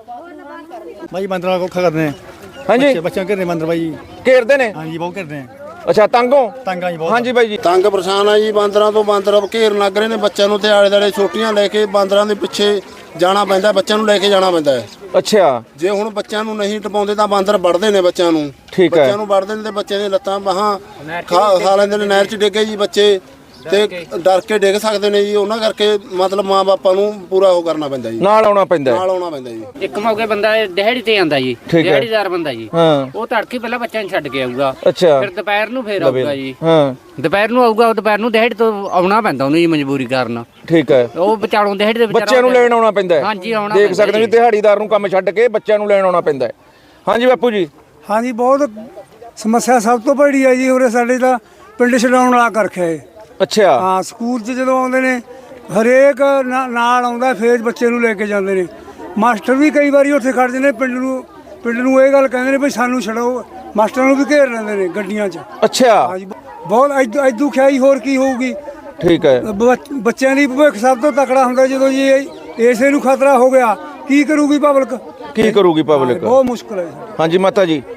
[SPEAKER 11] ਭਾਈ ਬਾਂਦਰਾਂ ਕੋਲ ਕਰਦੇ ਨੇ।
[SPEAKER 2] ਹਾਂਜੀ,
[SPEAKER 11] ਬੱਚਿਆਂ ਘੇਰਦੇ ਬਾਂਦਰ ਬਾਈ।
[SPEAKER 2] ਘੇਰਦੇ ਨੇ?
[SPEAKER 11] ਹਾਂਜੀ, ਬਹੁਤ ਘੇਰਦੇ ਨੇ।
[SPEAKER 2] ਅੱਛਾ, ਤੰਗੋਂ?
[SPEAKER 11] ਤੰਗਾਂ ਜੀ ਬਹੁਤ।
[SPEAKER 2] ਹਾਂਜੀ ਬਾਈ ਜੀ।
[SPEAKER 12] ਤੰਗ ਪਰੇਸ਼ਾਨ ਆ ਜੀ ਬਾਂਦਰਾਂ ਤੋਂ। ਬਾਂਦਰ ਘੇਰਨ ਲੱਗ ਰਹੇ ਨੇ ਬੱਚਿਆਂ ਨੂੰ ਤੇ ਆਲੇ ਦਾਲੇ ਛੋਟੀਆਂ ਲੈ ਕੇ ਬਾਂਦਰਾਂ ਦੇ ਪਿੱਛੇ ਜਾਣਾ ਪੈਂਦਾ, ਬੱਚਿਆਂ ਨੂੰ ਲੈ ਕੇ ਜਾਣਾ ਪੈਂਦਾ ਹੈ।
[SPEAKER 2] ਅੱਛਾ,
[SPEAKER 12] ਜੇ ਹੁਣ ਬੱਚਿਆਂ ਨੂੰ ਨਹੀਂ ਟਪਾਉਂਦੇ ਤਾਂ ਬਾਂਦਰ ਵੜਦੇ ਨੇ ਬੱਚਿਆਂ ਨੂੰ।
[SPEAKER 2] ਠੀਕ ਹੈ।
[SPEAKER 12] ਬੱਚਿਆਂ ਨੂੰ ਵੜਦੇ ਨੇ ਤੇ ਬੱਚਿਆਂ ਦੀਆਂ ਲੱਤਾਂ ਬਾਹਾਂ ਖਾ ਖਾ ਲੈਂਦੇ ਨੇ। ਨਹਿਰ 'ਚ ਡਿੱਗੇ ਜੀ ਬੱਚੇ ਤੇ ਡਰ ਕੇ ਡਿੱਗ ਸਕਦੇ ਨੇ ਜੀ। ਉਹਨਾਂ ਕਰਕੇ ਮਤਲਬ ਮਾਂ ਬਾਪਾਂ ਨੂੰ ਪੂਰਾ ਉਹ ਕਰਨਾ ਪੈਂਦਾ ਜੀ,
[SPEAKER 2] ਨਾਲ ਆਉਣਾ ਪੈਂਦਾ।
[SPEAKER 12] ਨਾਲ ਆਉਣਾ ਪੈਂਦਾ ਜੀ।
[SPEAKER 13] ਇੱਕ ਮੌਕੇ ਬੰਦਾ ਦਿਹਾੜੀ ਤੇ ਆਂਦਾ ਜੀ, ਦਿਹਾੜੀਦਾਰ ਬੰਦਾ ਜੀ।
[SPEAKER 2] ਹਾਂ,
[SPEAKER 13] ਉਹ ਤੜਕੇ ਪਹਿਲਾਂ ਬੱਚਿਆਂ ਨੂੰ ਛੱਡ ਕੇ ਆਊਗਾ।
[SPEAKER 2] ਅੱਛਾ,
[SPEAKER 13] ਫਿਰ ਦੁਪਹਿਰ ਨੂੰ ਫੇਰ ਆਊਗਾ ਜੀ।
[SPEAKER 2] ਹਾਂ,
[SPEAKER 13] ਦੁਪਹਿਰ ਨੂੰ ਆਊਗਾ, ਉਹ ਦੁਪਹਿਰ ਨੂੰ ਦਿਹਾੜੀ ਤੋਂ ਆਉਣਾ ਪੈਂਦਾ ਉਹਨੂੰ ਜੀ, ਮਜਬੂਰੀ ਕਾਰਨ।
[SPEAKER 2] ਠੀਕ ਹੈ।
[SPEAKER 13] ਉਹ ਵਿਚਾਲੋਂ ਦਿਹਾੜੀ ਦੇ
[SPEAKER 2] ਬੱਚਿਆਂ ਨੂੰ ਲੈਣ ਆਉਣਾ ਪੈਂਦਾ ਹੈ।
[SPEAKER 13] ਹਾਂਜੀ, ਆਉਣਾ
[SPEAKER 2] ਦੇਖ ਸਕਦੇ ਹੋ ਦਿਹਾੜੀਦਾਰ ਨੂੰ ਕੰਮ ਛੱਡ ਕੇ ਬੱਚਿਆਂ ਨੂੰ ਲੈਣ ਆਉਣਾ ਪੈਂਦਾ ਹੈ। ਹਾਂਜੀ ਬਾਪੂ ਜੀ।
[SPEAKER 1] ਹਾਂਜੀ, ਬਹੁਤ ਸਮੱਸਿਆ ਸਭ ਤੋਂ ਵੱਡੀ ਹੈ ਜੀ ਉਰੇ ਸਾਡੇ ਤਾਂ ਪਿੰਡ ਛਡਾਉਣ ਵਾਲਾ ਕਰ ਰੱਖਿਆ ਹੈ।
[SPEAKER 2] ਅੱਛਾ,
[SPEAKER 1] ਹਾਂ, ਸਕੂਲ 'ਚ ਜਦੋਂ ਆਉਂਦੇ ਨੇ ਹਰੇਕ ਨਾ- ਨਾਲ ਆਉਂਦਾ, ਫੇਰ ਬੱਚੇ ਨੂੰ ਲੈ ਕੇ ਜਾਂਦੇ ਨੇ। ਮਾਸਟਰ ਵੀ ਕਈ ਵਾਰੀ ਉੱਥੇ ਖੜਦੇ ਨੇ, ਪਿੰਡ ਨੂੰ ਪਿੰਡ ਨੂੰ ਇਹ ਗੱਲ ਕਹਿੰਦੇ ਨੇ ਵੀ ਸਾਨੂੰ ਛਡਾਓ। ਮਾਸਟਰਾਂ ਨੂੰ ਵੀ ਘੇਰ ਲੈਂਦੇ ਨੇ ਗੱਡੀਆਂ 'ਚ।
[SPEAKER 2] ਅੱਛਾ,
[SPEAKER 1] ਹਾਂਜੀ, ਬਹੁਤ ਐਦੂ ਖਿਆਈ ਹੋਰ ਕੀ ਹੋਊਗੀ।
[SPEAKER 2] ਠੀਕ ਹੈ।
[SPEAKER 1] ਬੱਚ- ਬੱਚਿਆਂ ਦੀ ਭਵਿੱਖ ਸਭ ਤੋਂ ਤਕੜਾ ਹੁੰਦਾ। ਜਦੋਂ ਜੀ ਇਹ- ਇਸੇ ਨੂੰ ਖਤਰਾ ਹੋ ਗਿਆ, ਕੀ ਕਰੂਗੀ ਪਬਲਿਕ?
[SPEAKER 2] ਕੀ ਕਰੂਗੀ ਪਬਲਿਕ?
[SPEAKER 1] ਬਹੁਤ ਮੁਸ਼ਕਲ ਹੈ।
[SPEAKER 2] ਹਾਂਜੀ ਮਾਤਾ ਜੀ।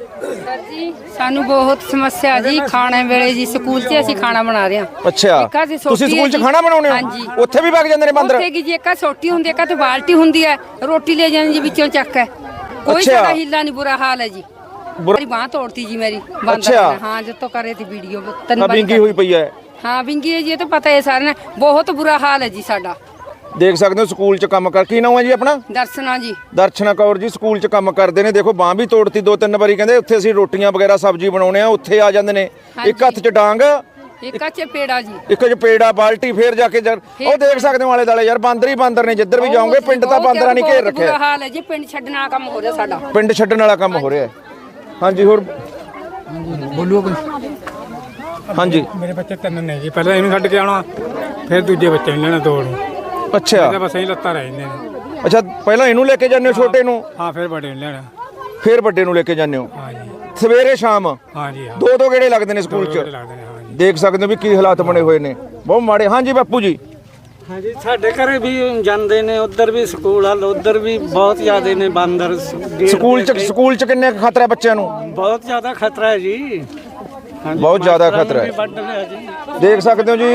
[SPEAKER 3] ਜੀ ਸਾਨੂੰ ਬਹੁਤ ਸਮੱਸਿਆ ਜੀ, ਖਾਣੇ ਵੇਲੇ ਜੀ ਸਕੂਲ 'ਚ ਅਸੀਂ ਖਾਣਾ ਬਣਾ ਰਹੇ ਹਾਂ।
[SPEAKER 2] ਅੱਛਾ, ਤੁਸੀਂ ਸਕੂਲ 'ਚ ਖਾਣਾ ਬਣਾਉਣੇ ਹੋ?
[SPEAKER 3] ਹਾਂਜੀ,
[SPEAKER 2] ਉੱਥੇ ਵੀ ਵਗ ਜਾਂਦੇ ਨੇ ਬਾਂਦਰ?
[SPEAKER 3] ਉੱਥੇ ਕੀ ਜੀ, ਇੱਕ ਸੋਟੀ ਹੁੰਦੀ ਹੈ, ਇੱਕ ਤੇ ਬਾਲਟੀ ਹੁੰਦੀ ਹੈ, ਰੋਟੀ ਲੈ ਜਾਂਦੇ ਜੀ ਵਿੱਚੋਂ ਚੱਕ ਹੈ। ਕੋਈ
[SPEAKER 2] ਅੱਛਾ।
[SPEAKER 3] ਸਾਡਾ ਹਿੱਲਾ ਨਹੀਂ, ਬੁਰਾ ਹਾਲ ਹੈ ਜੀ। ਮੇਰੀ ਬਾਂਹ ਤੋੜਤੀ ਜੀ ਮੇਰੀ ਬਾਂਦਰ
[SPEAKER 2] ਅੱਛਾ।
[SPEAKER 3] ਨੇ। ਹਾਂ, ਜਿੱਤੋਂ ਕਰੇ ਤੀ ਵੀਡੀਓ
[SPEAKER 2] ਆ
[SPEAKER 3] ਤਿੰਨ ਵਾਰੀ
[SPEAKER 2] ਵਿੰਗੀ ਹੋਈ ਪਈ ਹੈ।
[SPEAKER 3] ਹਾਂ, ਵਿੰਗੀ ਹੈ ਜੀ, ਇਹ ਤਾਂ ਪਤਾ ਹੈ ਸਾਰਿਆਂ ਨੂੰ। ਬਹੁਤ ਬੁਰਾ ਹਾਲ ਹੈ ਜੀ ਸਾਡਾ।
[SPEAKER 2] ਦੇਖ ਸਕਦੇ ਹੋ ਸਕੂਲ 'ਚ ਕੰਮ ਕਰ। ਕੀ ਨਾਮ ਹੈ ਜੀ ਆਪਣਾ?
[SPEAKER 3] ਦਰਸ਼ਨਾ ਜੀ।
[SPEAKER 2] ਦਰਸ਼ਨਾ ਕੌਰ ਜੀ ਸਕੂਲ 'ਚ ਕੰਮ ਕਰਦੇ ਨੇ। ਦੇਖੋ ਬਾਂਹ ਵੀ ਤੋੜਤੀ ਦੋ ਤਿੰਨ ਵਾਰੀ। ਕਹਿੰਦੇ ਉੱਥੇ ਅਸੀਂ ਰੋਟੀਆਂ ਵਗੈਰਾ ਸਬਜ਼ੀ ਬਣਾਉਣੇ ਆ, ਉੱਥੇ ਆ ਜਾਂਦੇ ਨੇ। ਇੱਕ ਹੱਥ 'ਚ ਡਾਂਗ,
[SPEAKER 3] ਇੱਕ ਆ ਚਪੇੜਾ ਜੀ,
[SPEAKER 2] ਇੱਕ 'ਚ ਪੇੜਾ, ਬਾਲਟੀ। ਫੇਰ ਜਾ ਕੇ ਜਰ ਉਹ ਦੇਖ ਸਕਦੇ ਹੋ ਆਲੇ ਦਾਲੇ ਯਾਰ ਬਾਂਦਰ ਹੀ ਬਾਂਦਰ ਨੇ। ਜਿੱਧਰ ਵੀ ਜਾਓਗੇ ਪਿੰਡ ਤਾਂ ਬਾਂਦਰਾਂ ਨੇ ਘੇਰ ਰੱਖਿਆ।
[SPEAKER 3] ਬੁਰਾ ਹਾਲ ਹੈ ਜੀ, ਪਿੰਡ ਛੱਡਣ ਵਾਲਾ ਕੰਮ ਹੋ ਰਿਹਾ ਸਾਡਾ।
[SPEAKER 2] ਪਿੰਡ ਛੱਡਣ ਵਾਲਾ ਕੰਮ ਹੋ ਰਿਹਾ ਹੈ। ਹਾਂਜੀ, ਹੋਰ
[SPEAKER 11] ਬੋਲੋ ਕੋਈ।
[SPEAKER 2] ਹਾਂਜੀ,
[SPEAKER 11] ਮੇਰੇ ਬੱਚੇ ਤਿੰਨ ਨੇ ਜੀ। ਪਹਿਲਾਂ ਇਹਨੂੰ ਛੱਡ ਕੇ ਆਉਣਾ, ਫਿਰ ਦੂਜੇ ਬੱਚੇ ਨੂੰ ਲੈਣਾ ਦੋ ਨੂੰ।
[SPEAKER 2] ਅੱਛਾ
[SPEAKER 5] ਬਸ ਅਸੀਂ ਲੱਤਾਂ ਰਹਿ ਜਾਂਦੇ ਨੇ।
[SPEAKER 2] ਅੱਛਾ ਪਹਿਲਾਂ ਇਹਨੂੰ ਲੈ ਕੇ ਜਾਂਦੇ ਹੋ ਛੋਟੇ ਨੂੰ,
[SPEAKER 5] ਹਾਂ ਫਿਰ ਵੱਡੇ ਨੂੰ ਲੈਣਾ।
[SPEAKER 2] ਫਿਰ ਵੱਡੇ ਨੂੰ ਲੈ ਕੇ ਜਾਂਦੇ ਹੋ
[SPEAKER 5] ਹਾਂਜੀ
[SPEAKER 2] ਸਵੇਰੇ ਸ਼ਾਮ?
[SPEAKER 5] ਹਾਂਜੀ ਹਾਂ
[SPEAKER 2] ਦੋ ਦੋ ਗੇੜੇ ਲੱਗਦੇ ਨੇ ਸਕੂਲ 'ਚ।
[SPEAKER 5] ਲੱਗਦੇ ਨੇ ਹਾਂਜੀ।
[SPEAKER 2] ਦੇਖ ਸਕਦੇ ਹੋ ਵੀ ਕੀ ਹਾਲਾਤ ਬਣੇ ਹੋਏ ਨੇ, ਬਹੁਤ ਮਾੜੇ। ਹਾਂਜੀ ਬਾਪੂ ਜੀ।
[SPEAKER 5] ਹਾਂਜੀ ਸਾਡੇ ਘਰੇ ਵੀ ਜਾਂਦੇ ਨੇ, ਉਧਰ ਵੀ ਸਕੂਲ ਹਲ ਉਧਰ ਵੀ ਬਹੁਤ ਜ਼ਿਆਦੇ ਨੇ ਬਾਂਦਰ।
[SPEAKER 2] ਸਕੂਲ 'ਚ ਸਕੂਲ 'ਚ ਕਿੰਨੇ ਕੁ ਖਤਰਾ ਬੱਚਿਆਂ ਨੂੰ?
[SPEAKER 5] ਬਹੁਤ ਜ਼ਿਆਦਾ ਖਤਰਾ ਹੈ ਜੀ।
[SPEAKER 2] ਬਹੁਤ ਜ਼ਿਆਦਾ ਖਤਰਾ ਹੈ, ਦੇਖ ਸਕਦੇ ਹੋ ਜੀ।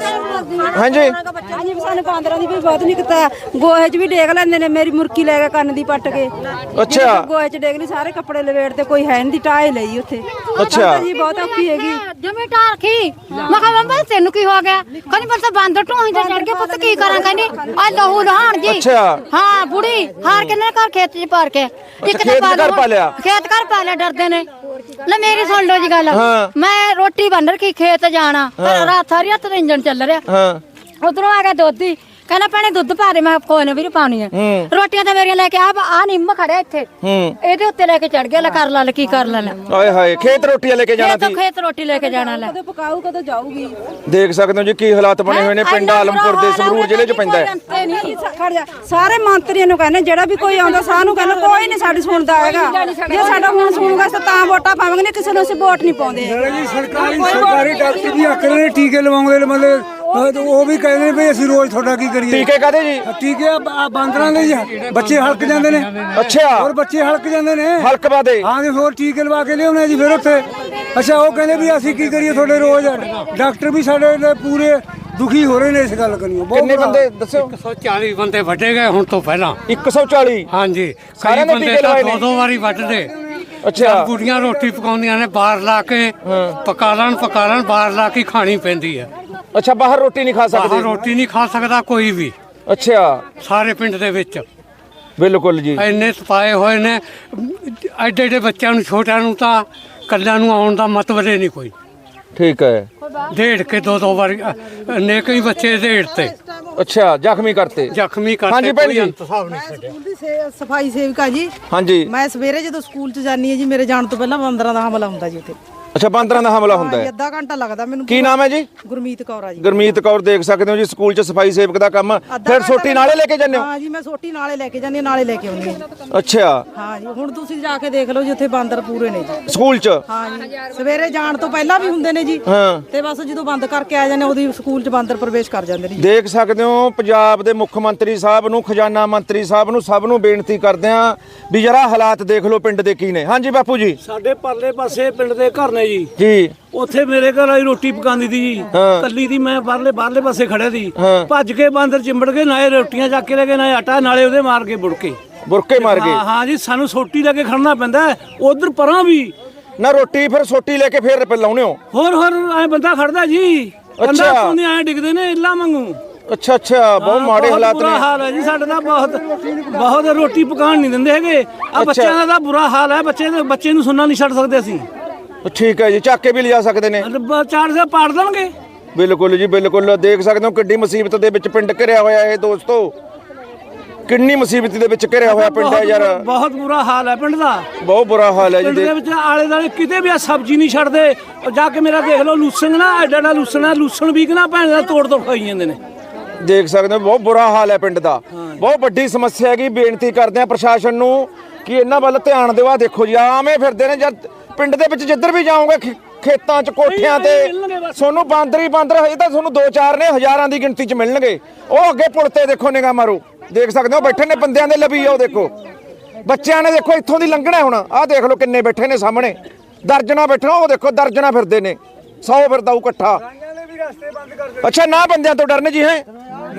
[SPEAKER 2] ਹਾਂਜੀ
[SPEAKER 9] ਹਾਂਜੀ ਸਾਨੂੰ ਬਾਂਦਰਾਂ ਦੀ ਵੀ ਬਹੁਤ ਨਹੀਂ ਪਤਾ। ਗੋਹੇ 'ਚ ਵੀ ਡੇਗ ਲੈਂਦੇ ਨੇ, ਮੇਰੀ ਮੁਰਕੀ ਲੈ ਕੇ ਕੰਨ ਦੀ ਪੱਟ ਕੇ।
[SPEAKER 2] ਅੱਛਾ
[SPEAKER 9] ਗੋਹੇ 'ਚ ਡੇਗ ਲਈ, ਸਾਰੇ ਕੱਪੜੇ ਲਵੇੜ ਤੇ ਕੋਈ ਹੈ ਨਹੀਂ, ਟਾਏ ਲਈ ਉੱਥੇ।
[SPEAKER 2] ਅੱਛਾ
[SPEAKER 9] ਜੀ ਬਹੁਤ ਔਖੀ ਹੈਗੀ।
[SPEAKER 4] ਜਮੇ ਟਾਰਖੀ ਮੈਂ ਕਿਹਾ ਮੰਮਾ ਤੈਨੂੰ ਕੀ ਹੋ ਗਿਆ? ਕਹਿੰਦੀ ਬਸ ਬਾਂਦਰ ਢੋਈ ਤੇ ਚੜ ਕੇ ਪੁੱਤ ਕੀ ਕਰਾਂ? ਕਹਿੰਦੀ ਆ ਲਹੂ ਲਹਾਣ ਜੀ।
[SPEAKER 2] ਅੱਛਾ
[SPEAKER 4] ਹਾਂ ਬੁੜੀ ਹਾਰ ਕੇ ਨਾ ਘਰ ਖੇਤ 'ਚ ਪਾਰ ਕੇ
[SPEAKER 2] ਇੱਕ ਖੇਤ ਘਰ ਪਾ ਲਿਆ,
[SPEAKER 4] ਖੇਤ ਘਰ ਪਾ ਲਿਆ, ਡਰਦੇ ਨੇ। ਲੈ ਮੇਰੀ ਸੁਣ ਲਓ ਜੀ ਗੱਲ,
[SPEAKER 2] ਹਾਂ।
[SPEAKER 4] ਮੈਂ ਰੋਟੀ ਬਣ ਰਖੀ ਖੇਤ ਜਾਣਾ, ਰਾਤ ਸਾਰੀ ਰਾਤ ਇੰਜਣ ਚੱਲ ਰਿਹਾ।
[SPEAKER 2] ਹਾਂ
[SPEAKER 4] ਉਧਰੋਂ ਆ ਗਿਆ ਦੋਧੀ, ਕਹਿੰਦਾ ਭੈਣੇ ਦੁੱਧ ਪਾ ਦੇ। ਮੈਂ ਕਿਹਾ ਕੋਈ ਨਾ ਵੀਰ ਪਾਣੀ ਹੈ। ਰੋਟੀਆਂ ਤਾਂ ਮੇਰੀਆਂ ਲੈ ਕੇ ਆ ਆ ਨਿੰਮ ਖੜਿਆ ਇੱਥੇ, ਇਹਦੇ ਉੱਤੇ ਲੈ ਕੇ ਚੜ ਗਿਆ। ਲੈ ਕਰ ਲਾ ਕੀ ਕਰ ਲਾ ਲੈ।
[SPEAKER 2] ਆਏ ਹਾਏ ਖੇਤ ਰੋਟੀਆਂ ਲੈ ਕੇ ਜਾਣਾ ਸੀ।
[SPEAKER 4] ਖੇਤ ਰੋਟੀ ਲੈ ਕੇ ਜਾਣਾ। ਲੈ
[SPEAKER 9] ਕਦੋਂ ਪਕਾਊ ਕਦੋਂ ਜਾਊਗੀ?
[SPEAKER 2] ਦੇਖ ਸਕਦੇ ਹੋ ਜੀ ਕੀ ਹਾਲਾਤ ਬਣੇ ਹੋਏ ਨੇ। ਪਿੰਡ ਆਲਮਪੁਰ ਦੇ ਸੰਗਰੂਰ ਜ਼ਿਲ੍ਹੇ 'ਚ ਪੈਂਦਾ ਹੈ।
[SPEAKER 9] ਖੜ ਜਾ, ਸਾਰੇ ਮੰਤਰੀਆਂ ਨੂੰ ਕਹਿੰਦੇ, ਜਿਹੜਾ ਵੀ ਕੋਈ ਆਉਂਦਾ ਸਾਨੂੰ ਕਹਿੰਦਾ ਕੋਈ ਨਹੀਂ ਸਾਡੀ ਸੁਣਦਾ ਹੈਗਾ। ਜੇ ਸਾਡਾ ਹੁਣ ਸੁਣੂਗਾ ਤਾਂ ਵੋਟਾਂ ਪਾਵਾਂਗੇ, ਨਹੀਂ ਕਿਸੇ ਨੂੰ ਅਸੀਂ ਵੋਟ ਨਹੀਂ ਪਾਉਂਦੇ।
[SPEAKER 1] ਜੀ ਸਰਕਾਰੀ ਸਰਕਾਰੀ ਡਾਕਟਰ ਵੀ ਆਖਦੇ ਨੇ ਟੀਕੇ ਲਵਾਉਂਦੇ ਨੇ, ਮਤਲਬ ਉਹ ਵੀ ਕਹਿੰਦੇ ਨੇ ਵੀ ਅਸੀਂ ਰੋਜ਼ ਤੁਹਾਡਾ ਕੀ ਕਰੀਏ।
[SPEAKER 2] ਟੀਕੇ ਕਾਦੇ ਜੀ?
[SPEAKER 1] ਟੀਕੇ ਆ ਬਾਂਦਰਾਂ ਦੇ ਜੀ, ਬੱਚੇ ਹਲਕ ਜਾਂਦੇ ਨੇ।
[SPEAKER 2] ਅੱਛਾ
[SPEAKER 1] ਹੋਰ ਬੱਚੇ ਹਲਕ ਜਾਂਦੇ ਨੇ,
[SPEAKER 2] ਹਲਕ ਬਾਦੇ।
[SPEAKER 1] ਹਾਂ ਜੀ ਹੋਰ ਟੀਕੇ ਲਵਾ ਕੇ ਲਿਆਉਣੇ ਜੀ ਫਿਰ ਉੱਥੇ। ਅੱਛਾ ਉਹ ਕਹਿੰਦੇ ਵੀ ਅਸੀਂ ਕੀ ਕਰੀਏ ਤੁਹਾਡੇ ਰੋਜ਼। ਡਾਕਟਰ ਵੀ ਸਾਡੇ ਪੂਰੇ ਦੁਖੀ ਹੋ ਰਹੇ ਨੇ ਇਸ ਗੱਲ ਕਰੀਓ।
[SPEAKER 2] ਕਿੰਨੇ ਬੰਦੇ ਦੱਸਿਓ?
[SPEAKER 5] ਇੱਕ ਸੌ ਚਾਲੀ ਬੰਦੇ ਵੱਢੇ ਗਏ ਹੁਣ ਤੋਂ ਪਹਿਲਾਂ।
[SPEAKER 2] ਇੱਕ ਸੌ ਚਾਲੀ?
[SPEAKER 5] ਹਾਂਜੀ
[SPEAKER 2] ਸਾਰਿਆਂ ਨੇ ਟੀਕੇ ਲਵਾਏ ਨੇ?
[SPEAKER 5] ਦੋ ਦੋ ਵਾਰੀ ਵੱਢਦੇ।
[SPEAKER 2] ਅੱਛਾ
[SPEAKER 5] ਬੁੜੀਆਂ ਰੋਟੀ ਪਕਾਉਂਦੀਆਂ ਨੇ, ਬਾਹਰ ਲਾ ਕੇ ਪਕਾ ਲੈਣ ਪਕਾ ਲੈਣ ਬਾਹਰ ਲਾ ਕੇ ਖਾਣੀ ਪੈਂਦੀ ਹੈ।
[SPEAKER 2] ਅੱਛਾ ਬਾਹਰ ਰੋਟੀ ਨਹੀਂ ਖਾ ਸਕਦੇ?
[SPEAKER 5] ਬਾਹਰ ਰੋਟੀ ਨਹੀਂ ਖਾ ਸਕਦਾ ਕੋਈ ਵੀ।
[SPEAKER 2] ਅੱਛਾ
[SPEAKER 5] ਸਾਰੇ ਪਿੰਡ ਦੇ ਵਿੱਚ
[SPEAKER 2] ਬਿਲਕੁਲ ਜੀ
[SPEAKER 5] ਇੰਨੇ ਸਪਾਏ ਹੋਏ ਨੇ। ਐਡੇ ਐਡੇ ਬੱਚਿਆਂ ਨੂੰ, ਛੋਟਿਆਂ ਨੂੰ ਤਾਂ ਕੱਲਿਆਂ ਨੂੰ ਆਉਣ ਦਾ ਮਤਲਬ ਹੀ ਨਹੀਂ ਕੋਈ।
[SPEAKER 2] ਠੀਕ ਹੈ।
[SPEAKER 5] ਢੇੜ ਕੇ ਦੋ ਦੋ ਵਾਰੀ ਨੇ ਕਈ ਬੱਚੇ ਢੇੜ ਤੇ।
[SPEAKER 2] ਅੱਛਾ ਜ਼ਖਮੀ ਕਰਤੇ?
[SPEAKER 5] ਜ਼ਖਮੀ ਕਰਤੇ।
[SPEAKER 2] ਹਾਂਜੀ ਭੈਣ ਜੀ।
[SPEAKER 6] ਸਕੂਲ ਦੀ ਸਫਾਈ ਸੇਵਕਾ ਜੀ।
[SPEAKER 2] ਹਾਂਜੀ
[SPEAKER 6] ਮੈਂ ਸਵੇਰੇ ਜਦੋਂ ਸਕੂਲ 'ਚ ਜਾਂਦੀ ਹਾਂ ਜੀ, ਮੇਰੇ ਜਾਣ ਤੋਂ ਪਹਿਲਾਂ ਬਾਂਦਰਾਂ ਦਾ ਹਮਲਾ ਹੁੰਦਾ ਜੀ ਉੱਥੇ।
[SPEAKER 2] ਅੱਛਾ ਬਾਂਦਰਾਂ ਦਾ ਹਮਲਾ ਹੁੰਦਾ ਹੈ?
[SPEAKER 6] ਅੱਧਾ ਘੰਟਾ ਲੱਗਦਾ ਮੈਨੂੰ।
[SPEAKER 2] ਕੀ ਨਾਮ ਹੈ ਜੀ?
[SPEAKER 6] ਗੁਰਮੀਤ ਕੌਰ ਆ ਜੀ।
[SPEAKER 2] ਗੁਰਮੀਤ ਕੌਰ। ਦੇਖ ਸਕਦੇ ਹੋ ਜੀ ਸਕੂਲ 'ਚ ਸਫਾਈ ਸੇਵਕ ਦਾ ਕੰਮ। ਫਿਰ ਸੋਟੀ ਨਾਲੇ ਲੈ ਕੇ ਜਾਂਦੇ ਹੋ?
[SPEAKER 6] ਹਾਂ ਜੀ ਮੈਂ ਸੋਟੀ ਨਾਲੇ ਲੈ ਕੇ ਜਾਂਦੀ ਹਾਂ, ਨਾਲੇ ਲੈ ਕੇ ਆਉਂਦੀ ਹਾਂ।
[SPEAKER 2] ਅੱਛਾ
[SPEAKER 6] ਹਾਂ ਜੀ ਹੁਣ ਤੁਸੀਂ ਜਾ ਕੇ ਦੇਖ ਲਓ ਜੀ, ਉੱਥੇ ਬਾਂਦਰ ਪੂਰੇ ਨੇ ਜੀ
[SPEAKER 2] ਸਕੂਲ 'ਚ।
[SPEAKER 6] ਹਾਂ ਜੀ ਸਵੇਰੇ ਜਾਣ ਤੋਂ ਪਹਿਲਾਂ ਵੀ ਹੁੰਦੇ ਨੇ ਜੀ,
[SPEAKER 2] ਹਾਂ
[SPEAKER 6] ਤੇ ਬਸ ਜਦੋਂ ਬੰਦ ਕਰਕੇ ਆ ਜਾਂਦੇ ਉਹਦੀ ਸਕੂਲ 'ਚ ਬਾਂਦਰ ਪ੍ਰਵੇਸ਼ ਕਰ ਜਾਂਦੇ ਨੇ ਜੀ।
[SPEAKER 2] ਦੇਖ ਸਕਦੇ ਹੋ ਪੰਜਾਬ ਦੇ ਮੁੱਖ ਮੰਤਰੀ ਸਾਹਿਬ ਨੂੰ, ਖਜ਼ਾਨਾ ਮੰਤਰੀ ਸਾਹਿਬ ਨੂੰ, ਸਭ ਨੂੰ ਬੇਨਤੀ ਕਰਦੇ ਆ ਵੀ ਜਰਾ ਹਾਲਾਤ ਦੇਖ ਲਓ ਪਿੰਡ ਦੇ ਕੀ ਨੇ। ਹਾਂਜੀ ਬਾਪੂ ਜੀ।
[SPEAKER 5] ਸਾਡੇ ਪਰਲੇ ਪਾਸੇ ਪਿੰਡ ਦੇ ਘਰ ਨੇ ਜੀ
[SPEAKER 2] ਜੀ
[SPEAKER 5] ਉੱਥੇ ਮੇਰੇ ਘਰ ਵਾਲੀ ਰੋਟੀ ਪਕਾਉਂਦੀ ਸੀ ਜੀ, ਕੱਲੀ ਦੀ। ਮੈਂ ਬਾਹਰਲੇ ਬਾਹਰਲੇ ਪਾਸੇ ਖੜਿਆ ਸੀ, ਭੱਜ ਕੇ ਬਾਂਦਰ ਚਿੰਬੜ ਕੇ, ਨਾਲੇ ਰੋਟੀਆਂ ਚੱਕ ਕੇ ਲੈ ਗਏ, ਨਾਲੇ ਆਟਾ, ਨਾਲੇ ਉਹਦੇ ਮਾਰ ਕੇ ਬੁੜਕੇ
[SPEAKER 2] ਬੁਰਕੇ ਮਾਰ ਗਏ।
[SPEAKER 5] ਹਾਂ ਹਾਂ ਜੀ ਸਾਨੂੰ ਸੋਟੀ ਲੈ ਕੇ ਖੜਨਾ ਪੈਂਦਾ ਉਧਰ ਪਰਾਂ ਵੀ
[SPEAKER 2] ਨਾ। ਰੋਟੀ ਫਿਰ ਸੋਟੀ ਲੈ ਕੇ ਫੇਰ ਲਾਉਣੇ ਹੋ?
[SPEAKER 5] ਹੋਰ ਹੋਰ ਐ ਬੰਦਾ ਖੜਦਾ ਜੀ।
[SPEAKER 2] ਅੱਛਾ
[SPEAKER 5] ਕੰਦਾ ਐ ਡਿੱਗਦੇ ਨੇ ਇੱਲਾ ਵਾਂਗੂ।
[SPEAKER 2] ਅੱਛਾ ਅੱਛਾ ਬਹੁਤ ਮਾੜੇ ਹਾਲਾਤ
[SPEAKER 5] ਬੁਰਾ
[SPEAKER 2] ਨੇ।
[SPEAKER 5] ਹਾਲ ਹੈ ਜੀ ਸਾਡੇ ਦਾ। ਬਹੁਤ ਬਹੁਤ ਰੋਟੀ ਪਕਾਉਣ ਨਹੀਂ ਦਿੰਦੇ ਹੈਗੇ। ਆ ਬੱਚਿਆਂ ਦਾ ਤਾਂ ਬੁਰਾ ਹਾਲ ਹੈ। ਬੱਚੇ ਬੱਚੇ ਨੂੰ ਸੁਣਨਾ ਨਹੀਂ ਛੱਡ ਸਕਦੇ ਅਸੀਂ।
[SPEAKER 2] ਠੀਕ ਹੈ ਜੀ ਚੱਕ ਕੇ ਵੀ ਲਿਜਾ ਸਕਦੇ ਨੇ?
[SPEAKER 5] ਚਾਰ ਸੇ ਪਾੜ ਦੇਣਗੇ।
[SPEAKER 2] ਬਿਲਕੁਲ ਜੀ ਬਿਲਕੁਲ। ਦੇਖ ਸਕਦੇ ਹੋ ਕਿੱਡੀ ਮੁਸੀਬਤ ਦੇ ਵਿੱਚ ਪਿੰਡ ਘਿਰਿਆ ਹੋਇਆ ਇਹ ਦੋਸਤੋ। ਕਿੰਨੀ ਮੁਸੀਬਤ ਦੇ ਵਿੱਚ ਘਿਰਿਆ ਹੋਇਆ ਪਿੰਡ ਹੈ ਯਾਰ।
[SPEAKER 5] ਬਹੁਤ ਬੁਰਾ ਹਾਲ ਹੈ ਪਿੰਡ ਦਾ।
[SPEAKER 2] ਬਹੁਤ ਬੁਰਾ ਹਾਲ ਹੈ ਜੀ।
[SPEAKER 5] ਪਿੰਡ ਦੇ ਵਿੱਚ ਆਲੇ ਦਾਲੇ ਕਿਤੇ ਵੀ ਆ ਸਬਜ਼ੀ ਨਹੀਂ ਛੱਡਦੇ। ਜਾ ਕੇ ਮੇਰਾ ਦੇਖ ਲਓ ਲੂਸਣ ਨਾ, ਐਡਾ ਐਡਾ ਲੂਸਣ ਹੈ, ਲੂਸਣ ਵੀ ਨਾ ਭੈਣ ਦਾ ਤੋੜ ਤੋੜ ਖਾਈ ਜਾਂਦੇ ਨੇ।
[SPEAKER 2] ਦੇਖ ਸਕਦੇ ਹੋ ਬਹੁਤ ਬੁਰਾ ਹਾਲ ਹੈ ਪਿੰਡ ਦਾ। ਬਹੁਤ ਵੱਡੀ ਸਮੱਸਿਆ ਹੈਗੀ। ਬੇਨਤੀ ਕਰਦੇ ਆ ਪ੍ਰਸ਼ਾਸਨ ਨੂੰ ਕਿ ਇਹਨਾਂ ਵੱਲ ਧਿਆਨ ਦਿਓ। ਆਹ ਦੇਖੋ ਜੀ ਆਵੇਂ ਫਿਰਦੇ ਨੇ ਜਦ ਪਿੰਡ ਦੇ ਵਿੱਚ ਜਿੱਧਰ ਵੀ ਜਾਓਗੇ, ਖੇਤਾਂ 'ਚ, ਕੋਠਿਆਂ ਤੇ ਤੁਹਾਨੂੰ ਬਾਂਦਰ ਹੀ ਬਾਂਦਰ। ਹਜੇ ਤਾਂ ਤੁਹਾਨੂੰ ਦੋ ਚਾਰ ਨੇ, ਹਜ਼ਾਰਾਂ ਦੀ ਗਿਣਤੀ 'ਚ ਮਿਲਣਗੇ। ਉਹ ਅੱਗੇ ਪੁਲ ਤੇ ਦੇਖੋ, ਨਿਗਾਹ ਮਾਰੋ, ਦੇਖ ਸਕਦੇ ਹੋ ਬੈਠੇ ਨੇ ਬੰਦਿਆਂ ਦੇ ਲਵੀ। ਉਹ ਦੇਖੋ ਬੱਚਿਆਂ ਨੇ ਦੇਖੋ ਇੱਥੋਂ ਦੀ ਲੰਘਣਾ ਹੁਣ। ਆਹ ਦੇਖ ਲਓ ਕਿੰਨੇ ਬੈਠੇ ਨੇ ਸਾਹਮਣੇ, ਦਰਜਨਾ ਬੈਠਣਾ। ਉਹ ਦੇਖੋ ਦਰਜਨਾ ਫਿਰਦੇ ਨੇ, ਸੌ ਫਿਰਦਾ ਉਹ ਇਕੱਠਾ। ਅੱਛਾ ਨਾ ਬੰਦਿਆਂ ਤੋਂ ਡਰਨੇ ਜੀ? ਹੈ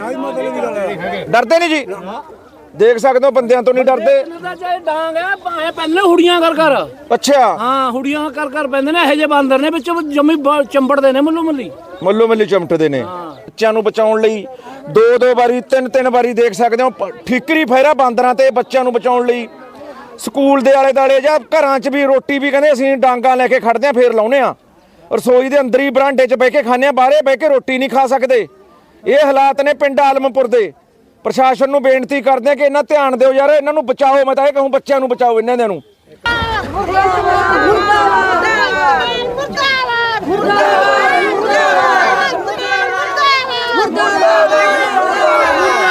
[SPEAKER 2] ਡਰਦੇ ਨਹੀਂ ਜੀ? ਦੇਖ ਸਕਦੇ ਹੋ ਬੰਦਿਆਂ ਤੋਂ ਨਹੀਂ ਡਰਦੇ।
[SPEAKER 5] ਡਾਂਗ ਹੈ ਭਾਵੇਂ ਪਹਿਲੇ ਹੁੜੀਆਂ ਕਰ ਕਰ।
[SPEAKER 2] ਅੱਛਾ
[SPEAKER 5] ਹਾਂ ਹੁੜੀਆਂ ਕਰ ਕਰ ਪੈਂਦੇ ਨੇ। ਇਹੋ ਜਿਹੇ ਬਾਂਦਰ ਨੇ ਵਿੱਚ ਜੰਮੀ ਚੰਬੜਦੇ ਨੇ ਮੱਲੋ ਮੱਲੀ
[SPEAKER 2] ਮੱਲੋ ਮੱਲੀ ਚਮਟਦੇ ਨੇ। ਬੱਚਿਆਂ ਨੂੰ ਬਚਾਉਣ ਲਈ ਦੋ ਦੋ ਵਾਰੀ, ਤਿੰਨ ਤਿੰਨ ਵਾਰੀ ਦੇਖ ਸਕਦੇ ਹੋ ਠੀਕਰੀ ਫੇਰਾ ਬਾਂਦਰਾਂ ਤੇ ਬੱਚਿਆਂ ਨੂੰ ਬਚਾਉਣ ਲਈ। ਸਕੂਲ ਦੇ ਆਲੇ ਦੁਆਲੇ ਜਾਂ ਘਰਾਂ 'ਚ ਵੀ ਰੋਟੀ ਵੀ ਕਹਿੰਦੇ ਅਸੀਂ ਡਾਂਗਾ ਲੈ ਕੇ ਖੜਦੇ ਆ, ਫੇਰ ਲਾਉਨੇ ਆ। ਰਸੋਈ ਦੇ ਅੰਦਰ ਹੀ ਬਰਾਂਡੇ 'ਚ ਬਹਿ ਕੇ ਖਾਂਦੇ ਆ, ਬਾਹਰੇ ਬਹਿ ਕੇ ਰੋਟੀ ਨਹੀਂ ਖਾ ਸਕਦੇ। ਇਹ ਹਾਲਾਤ ਨੇ ਪਿੰਡ ਆਲਮਪੁਰ ਦੇ। ਪ੍ਰਸ਼ਾਸਨ ਨੂੰ ਬੇਨਤੀ ਕਰਦੇ ਆ ਕਿ ਇਹਨਾਂ ਧਿਆਨ ਦਿਓ ਯਾਰ, ਇਹਨਾਂ ਨੂੰ ਬਚਾਓ। ਮੈਂ ਤਾਂ ਇਹ ਕਹੂੰ ਬੱਚਿਆਂ ਨੂੰ ਬਚਾਓ ਇਹਨਾਂ ਦੇ ਨੂੰ।
[SPEAKER 4] ਮੁਰਦਾਬਾਦ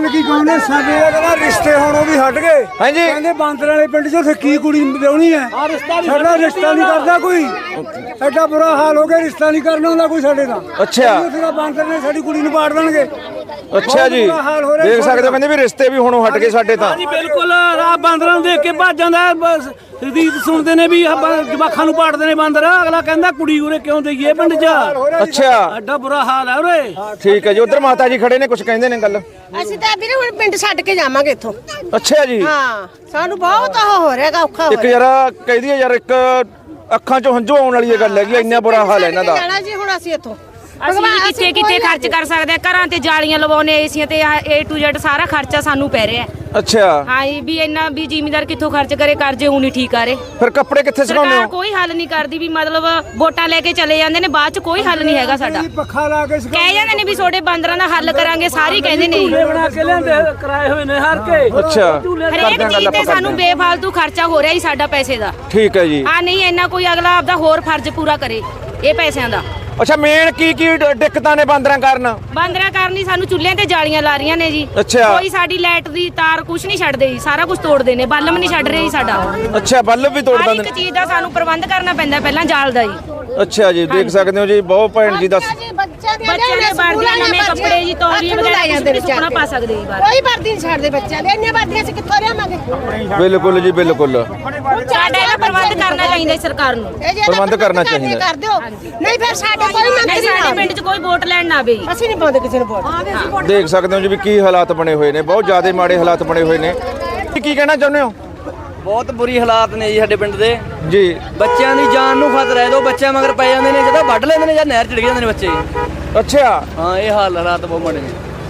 [SPEAKER 1] ਕੀ ਕਹੋਨੇ ਸਾਡੇ ਦਾ ਰਿਸ਼ਤੇ ਹੋਣੋਂ ਵੀ ਹਟ ਗਏ।
[SPEAKER 2] ਹਾਂਜੀ
[SPEAKER 1] ਕਹਿੰਦੇ ਬਾਂਦਰ ਵਾਲੇ ਪਿੰਡ 'ਚ ਉੱਥੇ ਕੀ ਕੁੜੀ ਵਿਆਹਣੀ ਹੈ, ਸਾਡਾ ਰਿਸ਼ਤਾ ਨਹੀਂ ਕਰਦਾ ਕੋਈ। ਐਡਾ ਬੁਰਾ ਹਾਲ ਹੋ ਗਿਆ, ਰਿਸ਼ਤਾ ਨਹੀਂ ਕਰਨਾ ਹੁੰਦਾ ਕੋਈ ਸਾਡੇ ਦਾ।
[SPEAKER 2] ਅੱਛਾ
[SPEAKER 1] ਉੱਥੇ ਬਾਂਦਰ ਨੇ ਸਾਡੀ ਕੁੜੀ ਨੂੰ ਪਾੜ ਦੇਣਗੇ।
[SPEAKER 2] ਅੱਛਾ ਜੀ, ਦੇਖ ਸਕਦੇ ਹੋ ਕਹਿੰਦੇ ਵੀ ਰਿਸ਼ਤੇ ਵੀ ਹੁਣ ਹਟ ਗਏ ਸਾਡੇ ਤਾਂ।
[SPEAKER 5] ਜੀ ਬਿਲਕੁਲ ਆ ਬਾਂਦਰਾਂ ਨੂੰ ਦੇਖ ਕੇ ਭੱਜ ਜਾਂਦਾ, ਬਸ ਰੀਤ ਸੁਣਦੇ ਨੇ ਵੀ ਜਵਾਖਾਂ ਨੂੰ ਪਾੜਦੇ ਨੇ ਬਾਂਦਰ। ਅਗਲਾ ਕਹਿੰਦਾ ਕੁੜੀ ਉਰੇ ਕਿਉਂ ਦੇਈਏ ਪਿੰਡ 'ਚ।
[SPEAKER 2] ਅੱਛਾ
[SPEAKER 5] ਐਡਾ ਬੁਰਾ ਹਾਲ ਹੈ ਉਰੇ।
[SPEAKER 2] ਠੀਕ ਹੈ ਜੀ, ਉਧਰ ਮਾਤਾ ਜੀ ਖੜੇ ਨੇ, ਕੁਝ ਕਹਿੰਦੇ ਨੇ ਗੱਲ।
[SPEAKER 8] ਅਸੀਂ ਤਾਂ ਵੀਰੇ ਹੁਣ ਪਿੰਡ ਛੱਡ ਕੇ ਜਾਵਾਂਗੇ ਇੱਥੋਂ।
[SPEAKER 2] ਅੱਛਾ ਜੀ,
[SPEAKER 8] ਹਾਂ ਸਾਨੂੰ ਬਹੁਤ ਉਹ ਹੋ ਰਿਹਾਗਾ, ਔਖਾ ਹੋ
[SPEAKER 2] ਇੱਕ ਯਾਰ ਕਹਿਦੀ ਯਾਰ, ਇੱਕ ਅੱਖਾਂ 'ਚੋਂ ਹੰਝੂ ਆਉਣ ਵਾਲੀ ਇਹ ਗੱਲ ਹੈਗੀ, ਇੰਨਾ ਬੁਰਾ ਹਾਲ ਹੈ ਇਹਨਾਂ ਦਾ।
[SPEAKER 8] ਜਾਣਾ ਜੀ ਹੁਣ ਅਸੀਂ ਇੱਥੋਂ
[SPEAKER 7] ਅਸੀਂ ਵੀ ਕਿੱਥੇ ਕਿੱਥੇ ਖਰਚ ਕਰ ਸਕਦੇ ਆ, ਘਰਾਂ ਤੇ ਜਾਲੀਆਂ ਲਵਾਉਣੇ, ਏਸੀਆਂ ਤੇ ਏ ਟੂ ਜ਼ੈਡ ਸਾਰਾ ਖਰਚਾ ਸਾਨੂੰ ਪੈ ਰਿਹਾ।
[SPEAKER 2] ਅੱਛਾ
[SPEAKER 7] ਹਾਂ ਜੀ, ਵੀ ਇੰਨਾ ਵੀ ਜ਼ਿਮੀਦਾਰ ਕਿੱਥੋਂ ਖਰਚ ਕਰੇ, ਕਰਜ਼ੇ ਹੁਣ ਹੀ ਠੀਕ ਆ ਰਹੇ।
[SPEAKER 2] ਫਿਰ ਕੱਪੜੇ ਕਿੱਥੇ ਸੁਕਾਉਂਦੇ
[SPEAKER 7] ਸਰਕਾਰ
[SPEAKER 2] ਹੋ?
[SPEAKER 7] ਕੋਈ ਹੱਲ ਨਹੀਂ ਕਰਦੀ, ਵੀ ਮਤਲਬ ਵੋਟਾਂ ਲੈ ਕੇ ਚਲੇ ਜਾਂਦੇ ਨੇ, ਬਾਅਦ ਚ ਕੋਈ ਹੱਲ ਨਹੀਂ ਹੈਗਾ ਸਾਡਾ।
[SPEAKER 1] ਪੱਖਾ ਲਾ ਕੇ
[SPEAKER 7] ਕਹਿ ਜਾਂਦੇ ਨੇ ਵੀ ਛੋਟੇ ਬਾਂਦਰਾਂ ਦਾ ਹੱਲ ਕਰਾਂਗੇ, ਸਾਰੇ ਕਹਿੰਦੇ ਨੇ ਜੀ।
[SPEAKER 5] ਬਣਾ ਕੇ ਲਿਆਂਦੇ ਕਰਾਏ ਹੋਏ ਨੇ ਹਰ ਕੇ।
[SPEAKER 2] ਅੱਛਾ
[SPEAKER 7] ਹਰੇਕ ਚੀਜ਼ ਤੇ ਸਾਨੂੰ ਬੇਫਾਲਤੂ ਖਰਚਾ ਹੋ ਰਿਹਾ ਜੀ ਸਾਡਾ ਪੈਸੇ ਦਾ।
[SPEAKER 2] ਠੀਕ ਹੈ ਜੀ।
[SPEAKER 7] ਆ ਨਹੀਂ ਇੰਨਾ ਕੋਈ ਅਗਲਾ ਆਪਦਾ ਹੋਰ ਫਰਜ਼ ਪੂਰਾ ਕਰੇ ਇਹ ਪੈਸਿਆਂ ਦਾ।
[SPEAKER 2] ਅੱਛਾ ਮੇਨ ਕੀ ਕੀ ਡ- ਦਿੱਕਤਾਂ ਨੇ ਬਾਂਦਰਾਂ ਕਾਰਨ?
[SPEAKER 7] ਬਾਂਦਰਾਂ ਕਰਨੀ ਸਾਨੂੰ ਚੁੱਲ੍ਹਿਆਂ ਤੇ ਜਾਲੀਆਂ ਲਾ ਰਹੀਆਂ ਨੇ ਜੀ।
[SPEAKER 2] ਅੱਛਾ।
[SPEAKER 7] ਕੋਈ ਸਾਡੀ ਲਾਈਟ ਦੀ ਤਾਰ ਕੁਛ ਨਹੀਂ ਛੱਡਦੇ ਜੀ, ਸਾਰਾ ਕੁਝ ਤੋੜਦੇ ਨੇ, ਬਲਬ ਨਹੀਂ ਛੱਡ ਰਹੇ ਜੀ ਸਾਡਾ।
[SPEAKER 2] ਅੱਛਾ ਬੱਲਬ ਵੀ ਤੋੜ
[SPEAKER 7] ਹਰ
[SPEAKER 2] ਦਿੰਦੇ
[SPEAKER 7] ਇੱਕ
[SPEAKER 2] ਨੇ।
[SPEAKER 7] ਚੀਜ਼ ਦਾ ਸਾਨੂੰ ਪ੍ਰਬੰਧ ਕਰਨਾ ਪੈਂਦਾ ਪਹਿਲਾਂ ਜਾਲ ਦਾ ਜੀ।
[SPEAKER 2] ਅੱਛਾ ਜੀ, ਦੇਖ ਸਕਦੇ ਹੋ ਜੀ, ਬਹੁਤ ਭੈਣ ਜੀ ਦੱਸ
[SPEAKER 8] ਬੱਚਿਆਂ ਦੇ
[SPEAKER 7] ਬੱਚਿਆਂ ਦੇ ਵਰਦੀਆਂ, ਨਵੇਂ ਕੱਪੜੇ ਜੀ, ਤੌਲੀਏ ਵਗੈਰਾ ਕੁਛ ਵੀ ਸੁੱਕਣਾ ਪਾ ਸਕਦੇ ਜੀ ਬਾਹਰ।
[SPEAKER 8] ਕੋਈ ਵਰਦੀ ਨਹੀਂ ਛੱਡਦੇ ਬੱਚਿਆਂ ਦੇ, ਇੰਨੇ ਵਰਦੀਆਂ ਅਸੀਂ ਕਿੱਥੋਂ ਲਿਆਵਾਂਗੇ।
[SPEAKER 2] ਬਿਲਕੁਲ ਜੀ ਬਿਲਕੁਲ,
[SPEAKER 7] ਸਾਡਾ ਇਹਦਾ ਪ੍ਰਬੰਧ ਕਰਨਾ ਚਾਹੀਦਾ ਜੀ ਸਰਕਾਰ ਨੂੰ।
[SPEAKER 8] ਇਹ ਜੇ ਇਹਦਾ
[SPEAKER 2] ਪ੍ਰਬੰਧ ਕਰਨਾ ਚਾਹੀਦਾ।
[SPEAKER 8] ਕਰ ਦਿਓ, ਨਹੀਂ ਫਿਰ ਸਾਡੇ ਕੋਈ
[SPEAKER 7] ਨਹੀਂ
[SPEAKER 8] ਮੰਤਰੀ
[SPEAKER 7] ਸਾਡੇ
[SPEAKER 8] ਨਾ
[SPEAKER 7] ਪਿੰਡ 'ਚ ਕੋਈ ਵੋਟ ਲੈਣ ਨਾ ਆਵੇ ਜੀ।
[SPEAKER 8] ਅਸੀਂ ਨਹੀਂ ਪਾਉਂਦੇ ਕਿਸੇ ਨੂੰ ਵੋਟ।
[SPEAKER 2] ਦੇਖ ਸਕਦੇ ਹੋ ਜੀ ਵੀ ਕੀ ਹਾਲਾਤ ਬਣੇ ਹੋਏ ਨੇ, ਬਹੁਤ ਜ਼ਿਆਦਾ ਮਾੜੇ ਹਾਲਾਤ ਬਣੇ ਹੋਏ ਨੇ। ਕੀ ਕਹਿਣਾ ਚਾਹੁੰਦੇ ਹੋ?
[SPEAKER 13] ਬਹੁਤ ਬੁਰੀ ਹਾਲਾਤ ਨੇ ਜੀ ਸਾਡੇ ਪਿੰਡ ਦੇ
[SPEAKER 2] ਜੀ।
[SPEAKER 13] ਬੱਚਿਆਂ ਦੀ ਜਾਨ ਨੂੰ ਖਤਰਾ ਹੈ, ਦੋ ਬੱਚਿਆਂ ਮਗਰ ਪੈ ਜਾਂਦੇ ਨੇ, ਜਦੋਂ ਵੱਢ ਲੈਂਦੇ ਨੇ ਜਾਂ ਨਹਿਰ ਚ ਡਿੱਗ ਜਾਂਦੇ ਨੇ ਬੱਚੇ।
[SPEAKER 2] ਅੱਛਾ
[SPEAKER 13] ਹਾਂ ਇਹ ਹਾਲ ਹਾਲਾਤ ਬਹੁਤ ਮਾੜੇ ਨੇ।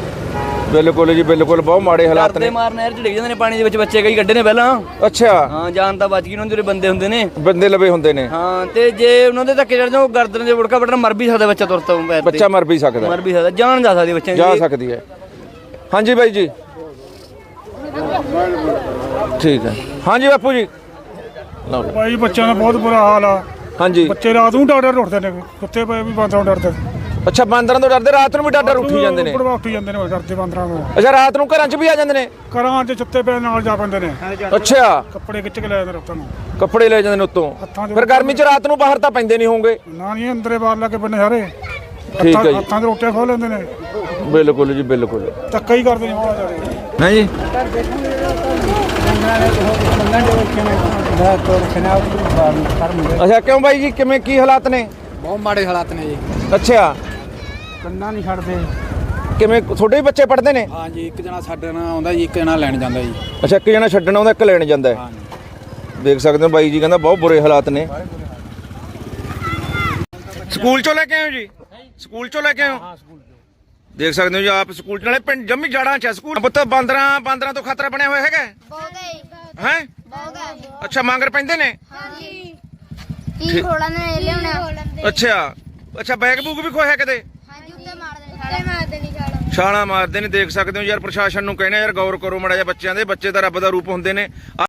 [SPEAKER 2] ਬਿਲਕੁਲ ਜੀ ਬਿਲਕੁਲ, ਬਹੁਤ ਮਾੜੇ ਹਾਲਾਤ
[SPEAKER 13] ਕਰਦੇ
[SPEAKER 2] ਨੇ।
[SPEAKER 13] ਮਾਰ ਨਹਿਰ ਚ ਡਿੱਗ ਜਾਂਦੇ ਨੇ, ਪਾਣੀ ਦੇ ਵਿੱਚ ਬੱਚੇ ਕਈ ਕੱਢੇ ਨੇ ਪਹਿਲਾਂ।
[SPEAKER 2] ਅੱਛਾ
[SPEAKER 13] ਹਾਂ ਜਾਨ ਤਾਂ ਬਚ ਗਈ, ਉਹਨਾਂ ਦੇ ਜਿਹੜੇ ਬੰਦੇ ਹੁੰਦੇ ਨੇ,
[SPEAKER 2] ਬੰਦੇ ਲਵੇ ਹੁੰਦੇ ਨੇ।
[SPEAKER 13] ਹਾਂ ਤੇ ਜੇ ਉਹਨਾਂ ਦੇ ਧੱਕੇ ਚੜ ਜਾਓ ਗਰਦਨ ਦੇ ਉੜਕਾ ਵੱਢਣ, ਮਰ ਵੀ ਸਕਦਾ ਬੱਚਾ ਤੁਰਤ ਪੈਰ ਤੇ।
[SPEAKER 2] ਬੱਚਾ ਮਰ ਵੀ ਸਕਦਾ,
[SPEAKER 13] ਮਰ ਵੀ ਸਕਦਾ, ਜਾਨ ਜਾ ਸਕਦੀ ਬੱਚਿਆਂ ਦੀ।
[SPEAKER 2] ਜਾ ਸਕਦੀ ਹੈ। ਹਾਂਜੀ ਬਾਈ ਜੀ, ਠੀਕ ਹੈ। ਹਾਂਜੀ ਬਾਪੂ ਜੀ। ਲਓ ਜੀ।
[SPEAKER 11] ਭਾਈ ਬੱਚਿਆਂ ਦਾ ਬਹੁਤ ਬੁਰਾ ਹਾਲ ਆ।
[SPEAKER 2] ਹਾਂਜੀ
[SPEAKER 11] ਬੱਚੇ ਰਾਤ ਨੂੰ ਡਰ ਡਰ ਉੱਠਦੇ ਨੇ, ਕੁੱਤੇ ਪਏ ਵੀ ਬਾਂਦਰਾਂ ਨੂੰ ਡਰਦੇ।
[SPEAKER 2] ਅੱਛਾ ਬਾਂਦਰਾਂ ਤੋਂ ਡਰਦੇ, ਰਾਤ ਨੂੰ ਵੀ ਡਰ ਡਰ ਉੱਠੀ ਜਾਂਦੇ ਨੇ।
[SPEAKER 11] ਉੱਪਰ ਉੱਠੀ ਜਾਂਦੇ ਨੇ ਡਰਦੇ ਬਾਂਦਰਾਂ ਨੂੰ।
[SPEAKER 2] ਅੱਛਾ ਰਾਤ ਨੂੰ ਘਰਾਂ 'ਚ ਵੀ ਆ ਜਾਂਦੇ ਨੇ?
[SPEAKER 11] ਘਰਾਂ 'ਚ ਸੁੱਤੇ ਪਏ ਨਾਲ ਜਾ ਪੈਂਦੇ ਨੇ।
[SPEAKER 2] ਅੱਛਾ
[SPEAKER 11] ਕੱਪੜੇ ਖਿੱਚ ਕੇ ਲੈ ਜਾਂਦੇ ਰਾਤਾਂ ਨੂੰ।
[SPEAKER 2] ਕੱਪੜੇ ਲੈ ਜਾਂਦੇ ਨੇ ਉੱਤੋਂ। ਫਿਰ ਗਰਮੀ 'ਚ ਰਾਤ ਨੂੰ ਬਾਹਰ ਤਾਂ ਪੈਂਦੇ ਨਹੀਂ ਹੋਣਗੇ?
[SPEAKER 11] ਨਾ ਨਹੀਂ ਅੰਦਰੇ ਬਾਹਰ ਲਾ ਕੇ ਬੰਨੇ ਸਾਰੇ।
[SPEAKER 2] ਠੀਕ ਹੈ ਜੀ।
[SPEAKER 11] ਹੱਥਾਂ 'ਚ ਰੋਟੀਆਂ ਖੋਹ ਲੈਂਦੇ ਨੇ।
[SPEAKER 2] ਬਿਲਕੁਲ ਜੀ ਬਿਲਕੁਲ,
[SPEAKER 11] ਧੱਕਾ ਹੀ ਕਰਦੇ ਨੇ ਬਹੁਤ ਜ਼ਿਆਦਾ।
[SPEAKER 2] ਹੈ ਜੀ। ਅੱਛਾ ਕਿਉਂ ਬਾਈ ਜੀ, ਕਿਵੇਂ ਕੀ ਹਾਲਾਤ ਨੇ?
[SPEAKER 11] ਬਹੁਤ ਮਾੜੇ ਹਾਲਾਤ ਨੇ ਜੀ।
[SPEAKER 2] ਅੱਛਾ
[SPEAKER 11] ਕੰਨਾਂ ਨਹੀਂ ਛੱਡਦੇ।
[SPEAKER 2] ਕਿਵੇਂ ਤੁਹਾਡੇ ਵੀ ਬੱਚੇ ਪੜ੍ਹਦੇ ਨੇ?
[SPEAKER 11] ਹਾਂ ਜੀ, ਇੱਕ ਜਣਾ ਛੱਡਣ ਆਉਂਦਾ ਜੀ, ਇੱਕ ਜਣਾ ਲੈਣ ਜਾਂਦਾ ਜੀ।
[SPEAKER 2] ਅੱਛਾ ਇੱਕ ਜਣਾ ਛੱਡਣ ਆਉਂਦਾ, ਇੱਕ ਲੈਣ ਜਾਂਦਾ ਹੈ। ਦੇਖ ਸਕਦੇ ਹੋ ਬਾਈ ਜੀ ਕਹਿੰਦਾ ਬਹੁਤ ਬੁਰੇ ਹਾਲਾਤ ਨੇ। ਸਕੂਲ ਚੋਂ ਲੈ ਕੇ ਆਏ ਹੋ ਜੀ? ਸਕੂਲ ਚੋਂ ਲੈ ਕੇ ਆਏ ਹੋ? ਦੇਖ ਸਕਦੇ ਹੋ ਜੀ ਆਪ ਸਕੂਲ ਚ, ਨਾਲੇ ਪਿੰਡ ਜੰਮੀ ਜੜਾਂ ਚ ਸਕੂਲ। ਪੁੱਤ ਬਾਂਦਰਾਂ ਬਾਂਦਰਾਂ ਤੋਂ ਖਤਰਾ ਬਣਿਆ ਹੋਇਆ ਹੈਗਾ ਹੈ? ਅੱਛਾ ਮੰਗਰ ਪੈਂਦੇ ਨੇ?
[SPEAKER 10] ਹਾਂਜੀ ਕੀ ਖੋਲਾ ਨੇ ਲਿਆਉਣਾ।
[SPEAKER 2] ਅੱਛਾ ਅੱਛਾ ਬੈਗ ਬੂਗ ਵੀ ਖੋਇਆ ਕਦੇ?
[SPEAKER 10] ਹਾਂਜੀ ਉੱਤੇ ਮਾਰਦੇ ਨੇ, ਉੱਤੇ ਮਾਰਦੇ ਨਹੀਂ ਛਾਲਾ
[SPEAKER 2] ਛਾਲਾਂ ਮਾਰਦੇ ਨੇ। ਦੇਖ ਸਕਦੇ ਹੋ ਯਾਰ, ਪ੍ਰਸ਼ਾਸਨ ਨੂੰ ਕਹਿਣਾ ਯਾਰ ਗੌਰ ਕਰੋ ਮੜਾ ਜਿਹਾ ਬੱਚਿਆਂ ਦੇ। ਬੱਚੇ ਤਾਂ ਰੱਬ ਦਾ ਰੂਪ ਹੁੰਦੇ ਨੇ।